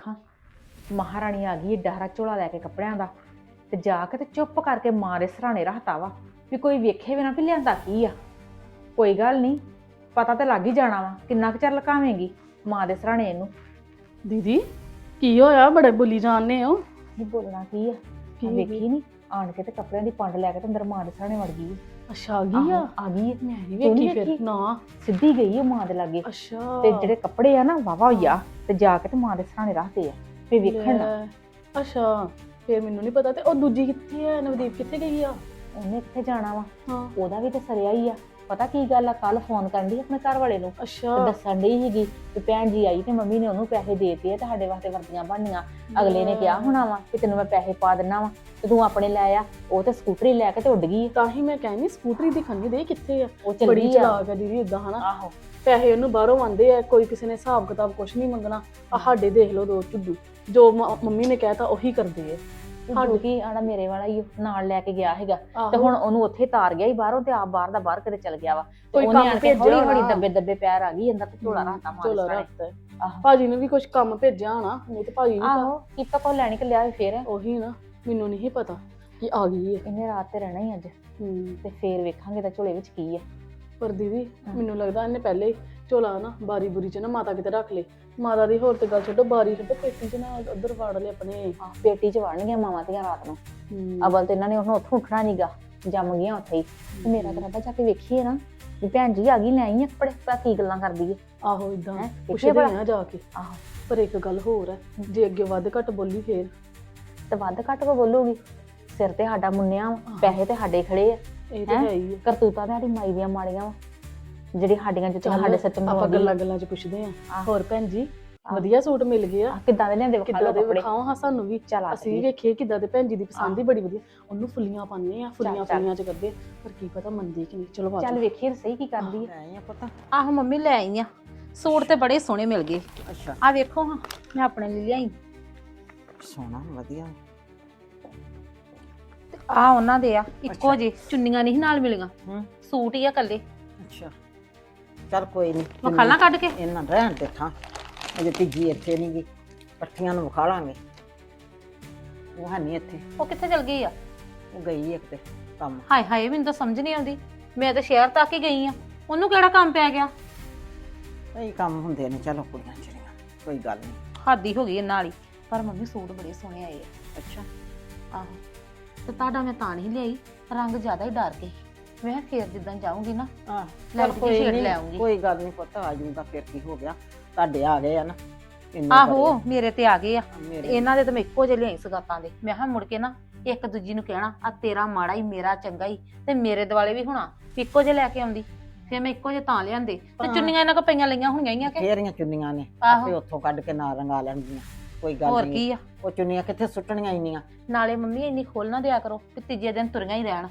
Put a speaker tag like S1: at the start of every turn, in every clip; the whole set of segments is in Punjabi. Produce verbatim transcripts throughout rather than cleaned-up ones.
S1: ਵੇਖਾਂ ਮਹਾਰਾਣੀ ਆ ਗਈ ਏਡਾ ਹਰਾ ਝੋਲਾ ਲੈ ਕੇ ਕੱਪੜਿਆਂ ਦਾ ਤੇ ਜਾ ਕੇ ਤੇ ਚੁੱਪ ਕਰਕੇ ਮਾਂ ਦੇ ਸਰਾਣੇ ਰੱਖਤਾ ਵਾ ਵੀ ਕੋਈ ਵੇਖੇ ਵੀ ਨਾ ਵੀ ਲਿਆਂਦਾ ਕੀ ਆ। ਕੋਈ ਗੱਲ ਨਹੀਂ, ਪਤਾ ਤੇ ਲੱਗ ਹੀ ਜਾਣਾ ਵਾ, ਕਿੰਨਾ ਕੁ ਚਿਰ ਲੁਕਾਵੇਂਗੀ ਮਾਂ ਦੇ ਸਰਾਣੇ ਇਹਨੂੰ।
S2: ਦੀਦੀ ਕੀ ਹੋਇਆ, ਬੜੇ ਬੋਲੀ ਜਾਂਦੇ ਹੋ?
S1: ਨਹੀਂ ਬੋਲਣਾ ਕੀ ਆ,
S2: ਕੀ
S1: ਵੇਖੀ ਨਹੀਂ ਆਣ ਕੇ ਤੇ ਕੱਪੜਿਆਂ ਦੀ ਪੰਡ ਲੈ ਕੇ ਤੇ ਅੰਦਰ ਮਾਂ ਦੇ ਸਰਾਣੇ ਵੜ ਗਈ।
S2: ਅੱਛਾ ਆ ਗਈ ਆ?
S1: ਆਹੋ, ਆ ਗਈ ਹੈ।
S2: ਮੈਂ ਨਹੀਂ
S1: ਤੂੰ ਨੀ
S2: ਵੇਖੀ ਫਿਰ
S1: ਵੇਖੀ?
S2: ਨਾ।
S1: ਸਿੱਧੀ ਗਈ ਹੈ ਮਾਂ ਦੇ ਲਾਗੇ
S2: ਅੱਛਾ
S1: ਤੇ ਜਿਹੜੇ ਕੱਪੜੇ ਆ ਨਾ ਵਾਵਾ ਹੋਈਆ ਤੇ ਜਾ ਕੇ ਤੇ ਮਾਂ ਦੇ ਸਰਾਣੇ ਰੱਖਦੇ ਆ ਫੇ ਵੇਖਣ ਨਾ।
S2: ਲੈ, ਅੱਛਾ ਫਿਰ ਮੈਨੂੰ ਨਹੀਂ ਪਤਾ। ਤੇ ਉਹ ਦੂਜੀ ਕਿੱਥੇ ਆ, ਨਵਦੀਪ ਕਿੱਥੇ ਗਈ ਆ?
S1: ਉਹਨੇ ਕਿੱਥੇ ਜਾਣਾ ਵਾ,
S2: ਹਾਂ
S1: ਉਹਦਾ ਵੀ ਤੇ ਸਰਿਆ ਹੀ ਆ। ਪਤਾ ਕੀ ਗੱਲ ਆ, ਕੱਲ ਫੋਨ ਕਰਨ ਦੀ ਆਪਣੇ ਘਰ ਵਾਲੇ ਨੂੰ ਤੇ
S2: ਅੱਛਾ
S1: ਦੱਸਣ ਡਈ ਸੀਗੀ ਕਿ ਭੈਣ ਜੀ ਆਈ ਤੇ ਮੰਮੀ ਨੇ ਉਹਨੂੰ ਪੈਸੇ ਦੇਤੇ ਆ ਤੇ ਸਾਡੇ ਵਾਸਤੇ ਵਰਦੀਆਂ ਬਣਨੀਆਂ। ਅਗਲੇ ਨੇ ਕਿਹਾ ਹੋਣਾ ਵਾ ਕਿ ਤੈਨੂੰ ਮੈਂ ਪੈਸੇ ਪਾ ਦਿੰਨਾ ਵਾ ਤੇ ਤੂੰ ਆਪਣੇ ਲੈ ਆ। ਉਹ ਤੇ ਸਕੂਟਰੀ ਲੈ ਕੇ ਤੇ ਉੱਡ ਗਈ।
S2: ਤਾਂ ਹੀ ਮੈਂ ਕਹਿੰਦੀ ਸਕੂਟਰੀ ਦੀ ਖੰਨੀ ਦੇ ਕਿੱਥੇ ਆ।
S1: ਉਹ ਚੱਲ
S2: ਬੜੀ
S1: ਗਈ ਆ।
S2: ਚਲਾਕ ਆ ਦੀਦੀ ਇਦਾਂ ਹਨਾ।
S1: ਆਹੋ
S2: ਪੈਸੇ ਉਹਨੂੰ ਬਾਹਰੋਂ ਆਉਂਦੇ ਆ, ਕੋਈ ਕਿਸੇ ਨੇ ਹਿਸਾਬ ਕਿਤਾਬ ਕੁਛ ਨਹੀਂ ਮੰਗਣਾ। ਆ ਸਾਡੇ ਦੇਖ ਲਓ ਦੋ ਝੁੱਡੂ, ਜੋ ਮ- ਮੰਮੀ ਨੇ ਕਹਿਤਾ ਉਹੀ ਕਰਦੇ ਆ।
S1: ਸਾਡੇ ਕੀ ਆਣਾ ਮੇਰੇ ਵਾਲਾ ਹੀ ਉਹ ਨਾਲ ਲੈ ਕੇ ਗਿਆ ਹੈਗਾ ਤੇ
S2: ਆਹੋ।
S1: ਹੁਣ ਉਹਨੂੰ ਉੱਥੇ ਤਾਰ ਗਿਆ ਹੀ ਬਾਹਰੋਂ ਤੇ ਆਪ ਬਾਹਰ ਦਾ ਬਾਹਰ ਕਿਤੇ ਚਲ ਗਿਆ ਵਾ। ਤੇ
S2: ਕੋਈ
S1: ਉਹਨੇ
S2: ਕੰਮ
S1: ਆਣ ਕੇ
S2: ਭੇਜਿਆ
S1: ਹੌਲੀ ਹੌਲੀ
S2: ਹੋਣਾ।
S1: ਦੱਬੇ ਦੱਬੇ ਪੈਰ ਆ ਗਈ ਅੰਦਰ ਤੇ ਝੋਲਾ ਰੱਖਤਾ ਮਾਂ ਦੇ
S2: ਝੋਲਾ
S1: ਸਰਾਣੇ।
S2: ਰੱਖਤਾ ਹੈ।
S1: ਆਹੋ
S2: ਭਾਜੀ ਨੇ ਵੀ ਕੁਛ ਕੰਮ ਭੇਜਿਆ ਹੋਣਾ, ਨਹੀਂ ਤੇ ਭਾਜੀ ਨੂੰ
S1: ਆਹੋ ਕੀਤਾ ਕੋ ਲੈਣੀ ਕਿ ਲਿਆ ਫੇਰ
S2: ਉਹੀ ਨਾ, ਮੈਨੂੰ ਨਹੀਂ ਪਤਾ ਕਿ ਆ ਗਈ ਹੈ।
S1: ਇਹਨੇ ਰਾਤ ਤੇ ਰਹਿਣਾ ਹੀ ਅੱਜ
S2: ਹੂੰ
S1: ਤੇ ਫੇਰ ਵੇਖਾਂਗੇ ਤਾਂ ਝੋਲੇ ਵਿੱਚ ਕੀ ਆ।
S2: ਪਰ ਦੀਦੀ ਮੈਨੂੰ ਲੱਗਦਾ ਇਹਨੇ ਪਹਿਲੇ ਹੀ ਝੋਲਾ ਨਾ ਬਾਰੀ ਬੁਰੀ ਚ ਨਾ ਮਾਤਾ ਕਿਤੇ ਰੱਖ ਲੇ। ਮਾਤਾ ਦੀ ਹੋਰ ਤੇ ਗੱਲ ਛੱਡੋ, ਬਾਰੀ ਛੱਡੋ, ਪੇਟੀ ਚ ਨਾ ਉੱਧਰ ਵਾੜ ਲਏ ਆਪਣੇ।
S1: ਪੇਟੀ ਚ ਵੜਨਗੀਆਂ ਮਾਵਾਂ ਧੀਆਂ ਰਾਤ ਨੂੰ।
S2: ਹੂੰ
S1: ਅਵਲ ਤੇ ਇਹਨਾਂ ਨੇ ਉਹਨੂੰ ਉੱਥੋਂ ਉੱਠਣਾ ਨੀਗਾ, ਜੰਮ ਗਈਆਂ ਉੱਥੇ ਹੀ। ਤੇ ਮੇਰਾ ਤਾਂ ਰੱਬਾ ਜਾ ਕੇ ਵੇਖੀਏ ਨਾ ਵੀ ਭੈਣ ਜੀ ਆ ਗਈ, ਲੈ ਆਈ ਆ ਕੱਪੜੇ, ਪਤਾ ਕੀ ਗੱਲਾਂ ਕਰਦੀ ਏ।
S2: ਆਹੋ ਇਦਾਂ
S1: ਹੈਂ,
S2: ਪੁੱਛਦੇ
S1: ਭਲਾ?
S2: ਆ ਜਾ ਕੇ।
S1: ਆਹੋ
S2: ਪਰ ਇੱਕ ਗੱਲ ਹੋਰ ਹੈ, ਜੇ ਅੱਗੇ ਵੱਧ ਘੱਟ ਬੋਲੀ ਫੇਰ
S1: ਤੇ ਵੱਧ ਘੱਟ ਕੋ ਬੋਲੂਗੀ। ਸਿਰ ਤੇ ਸਾਡਾ ਮੁੰਨਿਆ ਵਾ, ਪੈਸੇ ਤੇ ਸਾਡੇ ਖੜੇ ਆ।
S2: ਇਹ ਤਾਂ
S1: ਹੈਂ?
S2: ਹੈ ਹੀ ਹੈ।
S1: ਕਰਤੂਤਾਂ ਤੇ ਸਾਡੀ ਮਾਈ ਦੀਆਂ ਮਾੜੀਆਂ ਵਾ, ਜਿਹੜੀ ਸਾਡੀਆਂ ਜਿੱਥੇ ਸਾਡੇ ਸੱਚ
S2: ਆਪਾਂ
S1: ਮਰਵਾਉਂਦੀ
S2: ਗੱਲਾਂ ਗੱਲਾਂ ਚ ਪੁੱਛਦੇ ਆ।
S1: ਆਹ।
S2: ਹੋਰ ਭੈਣ ਜੀ
S1: ਆਹ।
S2: ਵਧੀਆ ਸੂਟ ਮਿਲ ਗਏ ਆ?
S1: ਕਿੱਦਾਂ ਦੇ ਲਿਆਂਦੇ ਵਿਖਾ
S2: ਕਿੱਦਾਂ
S1: ਲਓ
S2: ਦੇ
S1: ਕੱਪੜੇ।
S2: ਵਿਖਾਓ ਹਾਂ ਸਾਨੂੰ ਵੀ,
S1: ਚੱਲ ਆ
S2: ਅਸੀਂ ਵੀ
S1: ਜਾਈਏ।
S2: ਵੇਖੀਏ ਕਿੱਦਾਂ ਦੇ। ਭੈਣ ਜੀ ਦੀ ਪਸੰਦ ਹੀ ਬੜੀ ਵਧੀਆ, ਉਹਨੂੰ ਫੁੱਲੀਆਂ ਪਾਉਂਦੇ ਆ, ਫੁੱਲੀਆਂ
S1: ਚੱਲ।
S2: ਫੁੱਲੀਆਂ ਚ ਕਰਦੇ, ਪਰ ਕੀ ਪਤਾ ਮੰਨਦੀ ਕਿ ਨਹੀਂ। ਚਲੋ
S1: ਚੱਲ
S2: ਬਾਜੂ
S1: ਵੇਖੀਏ ਤਾਂ ਸਹੀ ਕੀ ਕਰਦੀ ਹੈ।
S3: ਆਏ ਆ ਪਤਾ।
S4: ਆਹੋ ਮੰਮੀ ਲੈ ਆਈ ਆ ਸੂਟ ਤੇ ਬੜੇ ਸੋਹਣੇ ਮਿਲ ਗਏ।
S3: ਅੱਛਾ
S4: ਆ ਵੇਖੋ ਹਾਂ ਮੈਂ ਆਪਣੇ ਲਈ ਲਿਆਈ।
S3: ਸੋਹਣਾ ਵਧੀਆ।
S4: ਆ ਉਹਨਾਂ ਦੇ ਆ ਇੱਕੋ ਜਿਹੇ, ਚੁੰਨੀਆਂ ਨਹੀਂ ਨਾਲ ਮਿਲੀਆਂ,
S3: ਹੂੰ
S4: ਸੂਟ ਹੀ ਆ ਕੱਲੇ।
S3: ਅੱਛਾ ਚੱਲ ਕੋਈ ਨਹੀਂ,
S4: ਵਿਖਾਲਾਂ ਕੱਢ ਕੇ।
S3: ਇਹਨਾਂ ਰਹਿਣ ਦੇ ਥਾਂ ਅਜੇ ਤੀਜੀ ਇੱਥੇ ਨਹੀਂ ਗਈ, ਇਕੱਠੀਆਂ ਨੂੰ ਵਿਖਾ ਲਾਂਗੇ। ਉਹ ਹੈ ਨਹੀਂ ਇੱਥੇ,
S4: ਉਹ ਕਿੱਥੇ ਚਲ ਗਈ ਆ?
S3: ਉਹ ਗਈ ਇੱਕ ਤੇ ਕੰਮ।
S4: ਹਾਏ ਹਾਏ ਮੈਨੂੰ ਤਾਂ ਸਮਝ ਨਹੀਂ ਆਉਂਦੀ, ਮੈਂ ਤਾਂ ਸ਼ਹਿਰ ਤੱਕ ਹੀ ਗਈ ਆ, ਉਹਨੂੰ ਕਿਹੜਾ ਕੰਮ ਪੈ ਗਿਆ?
S3: ਕਈ ਕੰਮ ਹੁੰਦੇ ਨੇ, ਚਲੋ ਕੁੜੀਆਂ ਚਿੜੀਆਂ, ਕੋਈ ਗੱਲ ਨਹੀਂ।
S4: ਹਾਦੀ ਹੋ ਗਈ ਇਹਨਾਂ ਵਾਲੀ। ਪਰ ਮੰਮੀ ਸੂਟ ਬੜੇ ਸੋਹਣੇ ਆਏ ਆ।
S3: ਅੱਛਾ
S4: ਆਹੋ ਤੇ ਤੁਹਾਡਾ ਮੈਂ ਤਾਂ ਨਹੀਂ ਲਿਆਈ, ਰੰਗ ਜ਼ਿਆਦਾ ਹੀ ਡਰ ਕੇ। ਮੈਂ ਫੇਰ ਜਿੱਦਾਂ ਜਾਊਂਗੀ ਨਾ
S3: ਆਹ
S4: ਲੈ
S3: ਚੱਲ
S4: ਕੇ
S3: ਕੋਈ
S4: ਸ਼ੇਡ
S3: ਨਹੀਂ,
S4: ਲੈ ਆਉਂਗੀ।
S3: ਕੋਈ ਗੱਲ ਨਹੀਂ ਪੁੱਤ, ਆ ਜੂਗਾ ਫਿਰ ਕੀ ਹੋ ਗਿਆ, ਤੁਹਾਡੇ ਆ ਗਏ ਆ ਨਾ ਇੰਨੇ
S4: ਆਹੋ
S3: ਬੜੇ
S4: ਮੇਰੇ ਤੇ ਆ ਗਏ ਆ।
S3: ਆ। ਮੇਰੇ
S4: ਇਹਨਾਂ ਦੇ ਤਾਂ ਮੈਂ ਇੱਕੋ ਜਿਹੇ ਲਿਆਈ ਸਗਾਤਾਂ ਦੇ। ਮੈਂ ਕਿਹਾ ਮੁੜ ਕੇ ਨਾ ਇੱਕ ਦੂਜੀ ਨੂੰ ਕਹਿਣਾ ਆ ਤੇਰਾ ਮਾੜਾ ਹੀ ਮੇਰਾ ਚੰਗਾ ਹੀ, ਤੇ ਮੇਰੇ ਦੁਆਲੇ ਵੀ ਹੋਣਾ ਵੀ ਇੱਕੋ ਜਿਹੇ ਲੈ ਕੇ ਆਉਂਦੀ। ਫਿਰ ਮੈਂ ਇੱਕੋ ਜਿਹੇ ਤਾਂ ਲਿਆਂਦੇ ਤੇ
S3: ਹਾਂ।
S4: ਚੁੰਨੀਆਂ ਇਹਨਾਂ ਕੋ ਪਈਆਂ ਲਈਆਂ ਹੋਣੀਆਂ ਹੀ ਆ ਕਿ
S3: ਫੇਰੀਆਂ ਚੁੰਨੀਆਂ ਨੇ
S4: ਆਹੋ।
S3: ਆਪੇ ਉੱਥੋਂ ਕੱਢ ਕੇ ਨਾਲ ਰੰਗਾ ਲੈਣਗੀਆਂ, ਕੋਈ ਗੱਲ
S4: ਹੋਰ
S3: ਨਹੀਂ।
S4: ਕੀ ਆ।
S3: ਉਹ ਚੁੰਨੀਆਂ ਕਿੱਥੇ ਸੁੱਟਣੀਆਂ ਇੰਨੀਆਂ।
S4: ਨਾਲੇ ਮੰਮੀ ਇੰਨੀ ਖੋਲ ਨਾ ਦਿਆ ਕਰੋ ਕਿ ਤੀਜੇ ਦਿਨ ਤੁਰੀਆਂ ਹੀ ਰਹਿਣ।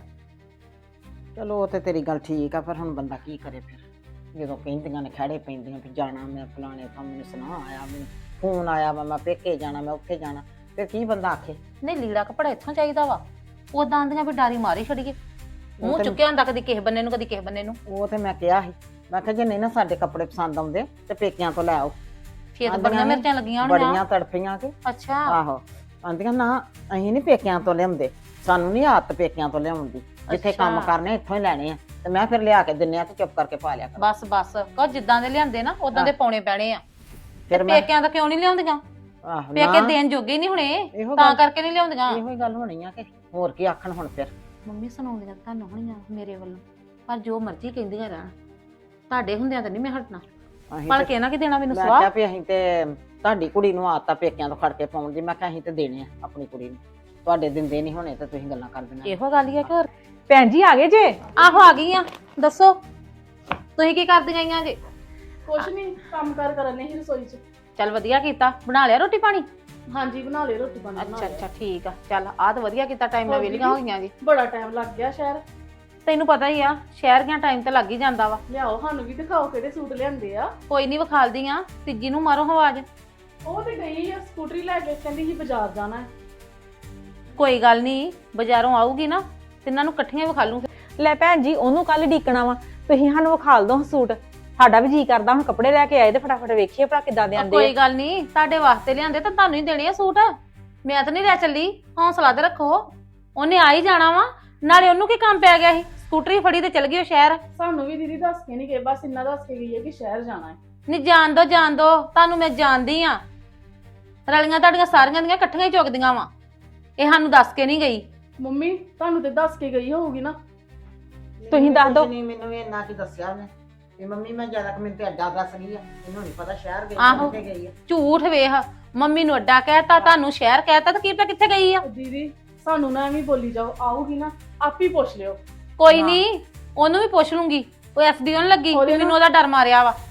S3: ਚਲੋ ਉਹ ਤੇ ਤੇਰੀ ਗੱਲ ਠੀਕ ਆ, ਪਰ ਹੁਣ ਬੰਦਾ ਕੀ ਕਰੇ ਫਿਰ, ਜਦੋਂ ਕਹਿੰਦੀਆਂ ਨੇ ਖੜੇ ਪੈਂਦੀਆਂ ਵੀ ਜਾਣਾ ਮੈਂ ਫਲਾਣੇ ਥਾਂ, ਮੈਨੂੰ ਸੁਣਾ ਆਇਆ, ਮੈਨੂੰ ਫੋਨ ਆਇਆ ਵਾ, ਮੈਂ ਪੇਕੇ ਜਾਣਾ, ਮੈਂ ਉੱਥੇ ਜਾਣਾ, ਫਿਰ ਕੀ ਬੰਦਾ ਆਖੇ।
S4: ਨਹੀਂ ਲੀੜਾ ਕੱਪੜਾ ਇੱਥੋਂ ਚਾਹੀਦਾ ਵਾ, ਉਦਾਂ ਆਂਦੀਆਂ ਵੀ ਡਾਰੀ ਮਾਰੀ ਛੜੀਏ, ਮੂੰਹ
S3: ਤੇ-
S4: ਚੁੱਕਿਆ ਹੁੰਦਾ ਕਦੀ ਕਿਸੇ ਬੰਨੇ ਨੂੰ ਕਦੀ ਕਿਸੇ ਬੰਨੇ ਨੂੰ।
S3: ਉਹ ਤੇ ਮੈਂ ਕਿਹਾ ਸੀ, ਮੈਂ ਕਿਹਾ ਜੇ ਨਹੀਂ ਨਾ ਸਾਡੇ ਕੱਪੜੇ ਪਸੰਦ ਆਉਂਦੇ ਤੇ ਪੇਕਿਆਂ ਤੋਂ ਲੈ ਆਓ।
S4: ਫੇਰ ਤਾਂ
S3: ਆਂਦੀਆਂ
S4: ਬੜੀਆਂ
S3: ਨੇ,
S4: ਮਿਰਚਾਂ ਲੱਗੀਆਂ ਹੋਣੀਆਂ।
S3: ਬੜੀਆਂ ਤੜਫੀਆਂ ਕਿ
S4: ਅੱਛਾ
S3: ਆਹੋ। ਆਂਦੀਆਂ ਨਾ ਅਸੀਂ ਨਹੀਂ ਪੇਕਿਆਂ ਤੋਂ ਲਿਆਉਂਦੇ, ਸਾਨੂੰ ਨਹੀਂ ਆਦਤ ਪੇਕਿਆਂ ਤੋਂ ਲਿਆਉਣ ਦੀ, ਜਿੱਥੇ ਕੰਮ
S4: ਅੱਛਾ।
S3: ਕਰਨੇ ਇੱਥੋਂ ਹੀ ਲੈਣੇ ਆ, ਤੇ ਮੈਂ ਫਿਰ ਲਿਆ ਕੇ ਦਿੰਨੇ ਆ ਤੇ ਚੁੱਪ ਕਰਕੇ ਪਾ ਲਿਆ ਕਰ।
S4: ਬਸ ਬਸ ਕੋ ਜਿੱਦਾਂ ਦੇ ਲਿਆਂਦੇ ਨਾ ਉਦਾਂ ਦੇ ਪਾਉਣੇ ਪੈਣੇ ਆ।
S3: ਫਿਰ ਮੈਂ
S4: ਪੇਕਿਆਂ ਦਾ ਕਿਉਂ ਨਹੀਂ ਲਿਆਉਂਦੀਆਂ?
S3: ਆਹੋ
S4: ਪੇਕੇ
S3: ਨਾ,
S4: ਦੇਣ ਜੋਗੇ ਨਹੀਂ ਹੁਣੇ,
S3: ਇਹੋ
S4: ਤਾਂ
S3: ਗੱਲ
S4: ਕਰਕੇ ਨਹੀਂ ਲਿਆਉਂਦੀਆਂ।
S3: ਇਹੋ ਹੀ ਗੱਲ ਹੋਣੀ ਆ ਕਿ ਹੋਰ ਕੀ ਆਖਣ ਹੁਣ ਫਿਰ।
S4: ਮੰਮੀ ਸੁਣਾਉਂਦੀਆਂ ਤੁਹਾਨੂੰ ਹੋਣੀਆਂ ਮੇਰੇ ਵੱਲੋਂ, ਪਰ ਜੋ ਮਰਜ਼ੀ ਕਹਿੰਦੀਆਂ ਰਹਿਣ, ਤੁਹਾਡੇ ਹੁੰਦਿਆਂ ਤਾਂ ਨਹੀਂ ਮੈਂ ਹਟਣਾ।
S3: ਅਸੀਂ
S4: ਪਲ
S3: ਤੇ-
S4: ਕੇ ਨਾ ਕਿ ਦੇਣਾ ਮੈਨੂੰ
S3: ਮੈਂ
S4: ਸਵਾਹ।
S3: ਕਿਹਾ ਵੀ ਅਸੀਂ ਤੇ ਤੁਹਾਡੀ ਕੁੜੀ ਨੂੰ ਆਦਤਾਂ ਪੇਕਿਆਂ ਤੋਂ ਖੜ ਕੇ ਪਾਉਣ ਦੀ, ਮੈਂ ਕਿਹਾ ਅਸੀਂ ਤੇ ਦੇਣੇ ਆ ਆਪਣੀ ਕੁੜੀ ਨੂੰ, ਤੁਹਾਡੇ ਦਿੰਦੇ ਨਹੀਂ ਹੋਣੇ ਤੇ ਤੁਸੀਂ ਗੱਲਾਂ ਕਰਦੀਆਂ।
S4: ਇਹੋ ਗੱਲ ਹੀ ਆ ਕਿ ਹੋਰ।
S1: ਭੈਣ ਜੀ ਆ ਗਏ ਜੇ?
S4: ਆਹੋ ਆ ਗਈ ਆ, ਦੱਸੋ ਤੁਸੀਂ ਕੀ ਕਰਦੀਆਂ ਆਈਆਂ ਜੇ?
S2: ਕੁਛ ਨਹੀਂ, ਕੰਮ ਕਾਰ ਕਰਨੇ ਹੀ ਰਸੋਈ ਚ।
S4: ਚੱਲ ਵਧੀਆ ਕੀਤਾ, ਬਣਾ ਲਿਆ ਰੋਟੀ ਪਾਣੀ?
S2: ਹਾਂਜੀ ਬਣਾ ਲਿਓ ਰੋਟੀ ਪਾਣੀ। ਬਣਾ
S4: ਅੱਛਾ
S2: ਲਿਆ।
S4: ਅੱਛਾ ਠੀਕ ਆ, ਚੱਲ ਆਹ ਤਾਂ ਵਧੀਆ ਕੀਤਾ, ਟਾਈਮ ਨਾਲ
S2: ਹੋਰ
S4: ਵੇਲੀਆਂ
S2: ਦੀਦੀ?
S4: ਹੋਈਆਂ ਜੀ।
S2: ਬੜਾ ਟਾਈਮ ਲੱਗ ਗਿਆ ਸ਼ਹਿਰ।
S4: ਤੈਨੂੰ ਪਤਾ ਹੀ ਆ ਸ਼ਹਿਰ ਗਿਆ ਟਾਈਮ ਤਾਂ ਲੱਗ ਹੀ ਜਾਂਦਾ ਵਾ।
S2: ਲਿਆਓ ਸਾਨੂੰ ਵੀ ਦਿਖਾਓ ਕਿਹੜੇ ਸੂਟ ਲਿਆਂਦੇ ਆ।
S4: ਕੋਈ ਨਹੀਂ ਵਿਖਾਲਦੀ ਆ, ਤੀਜੀ ਨੂੰ ਮਾਰੋ ਆਵਾਜ਼।
S2: ਉਹ ਤੇ ਗਈ ਆ ਸਕੂਟਰੀ ਲੈ ਕੇ, ਕਹਿੰਦੀ ਸੀ ਬਾਜ਼ਾਰ ਜਾਣਾ ਹੈ।
S4: ਕੋਈ ਗੱਲ ਨਹੀਂ, ਬਾਜ਼ਾਰੋਂ ਆਊਗੀ ਨਾ ਤਿੰਨਾਂ ਨੂੰ ਇਕੱਠੀਆਂ ਵਿਖਾ ਲੂੰ।
S1: ਲੈ ਭੈਣ ਜੀ ਉਹਨੂੰ ਕੱਲ ਡੀਕਣਾ ਵਾ, ਤੁਸੀਂ ਸਾਨੂੰ ਵਿਖਾਲ ਦੋ ਸੂਟ। ਸਾਡਾ ਵੀ ਜੀ ਕਰਦਾ ਹੁਣ ਕੱਪੜੇ ਲੈ ਕੇ ਆਏ ਤੇ ਫਟਾਫਟ ਵੇਖੀਏ ਭਲਾ ਕਿੱਦਾਂ ਦੇ
S4: ਉਹ
S1: ਆਂਦੇ ਆ।
S4: ਕੋਈ ਗੱਲ ਨਹੀਂ, ਤੁਹਾਡੇ ਵਾਸਤੇ ਲਿਆਂਦੇ ਤਾਂ ਤੁਹਾਨੂੰ ਹੀ ਦੇਣੇ ਆ ਸੂਟ। ਮੈਂ ਤਾਂ ਨਹੀਂ ਲੈ ਚੱਲੀ, ਹੌਸਲਾ ਤੇ ਰੱਖੋ। ਉਹਨੇ ਆ ਹੀ ਜਾਣਾ ਵਾ, ਨਾਲੇ ਉਹਨੂੰ ਕੀ ਕੰਮ ਪੈ ਗਿਆ ਸੀ, ਸਕੂਟਰੀ ਫੜੀ ਤੇ ਚਲ ਗਈ ਉਹ ਸ਼ਹਿਰ।
S2: ਸਾਨੂੰ ਵੀ ਦੀਦੀ ਦੱਸ ਕੇ ਨਹੀਂ ਗਏ, ਬਸ ਇੰਨਾ ਦੱਸ ਕੇ ਗਈ ਹੈ ਕਿ ਸ਼ਹਿਰ ਜਾਣਾ ਹੈ।
S4: ਨਹੀਂ ਜਾਣ ਦੋ ਜਾਣ ਦੋ, ਤੁਹਾਨੂੰ ਮੈਂ ਜਾਣਦੀ ਆ। ਰਲੀਆਂ ਤੁਹਾਡੀਆਂ ਸਾਰੀਆਂ ਦੀਆਂ ਇਕੱਠੀਆਂ ਹੀ ਚੁੱਕਦੀਆਂ ਵਾ, ਇਹ ਸਾਨੂੰ ਦੱਸ ਕੇ ਨਹੀਂ ਗਈ।
S2: ਮੰਮੀ ਤੁਹਾਨੂੰ ਤੇ ਦੱਸ ਕੇ ਗਈ ਹੋਊਗੀ ਨਾ।
S1: ਤੁਸੀਂ ਦੱਸ ਦਿਓ।
S3: ਨਹੀਂ ਮੈਨੂੰ ਵੀ ਇੰਨਾ ਕੀ ਦੱਸਿਆ ਉਹਨੇ ਵੀ ਮੰਮੀ ਮੈਂ ਜ਼ਿਆਦਾ ਕਿ ਮੈਨੂੰ ਤੇ ਅੱਡਾ ਦੱਸ ਗਈ ਆ, ਇਹਨੂੰ ਨਹੀਂ ਪਤਾ ਸ਼ਹਿਰ ਗਈ
S4: ਆਹੋ।
S3: ਕਿੱਥੇ ਗਈ ਆ।
S4: ਝੂਠ ਵੇਖ, ਮੰਮੀ ਨੂੰ ਅੱਡਾ ਕਹਿਤਾ, ਤੁਹਾਨੂੰ ਸ਼ਹਿਰ ਕਹਿਤਾ, ਤਾਂ ਕੀ ਪਤਾ ਕਿੱਥੇ ਗਈ ਆ।
S2: ਉਹ ਦੀਦੀ ਸਾਨੂੰ ਨਾ ਐਵੇਂ ਬੋਲੀ ਜਾਓ, ਆਊਗੀ ਨਾ ਆਪ ਹੀ ਪੁੱਛ ਲਿਓ।
S4: ਕੋਈ
S3: ਹਾਂ।
S4: ਨਹੀਂ, ਉਹਨੂੰ ਵੀ ਪੁੱਛ ਲੂੰਗੀ। ਉਹ ਐਸਡੀਓ ਨੂੰ ਲੱਗੀ
S2: ਉਹਦੇ
S4: ਵੀ ਮੈਨੂੰ ਉਹਦਾ ਡਰ ਮਾਰਿਆ ਵਾ।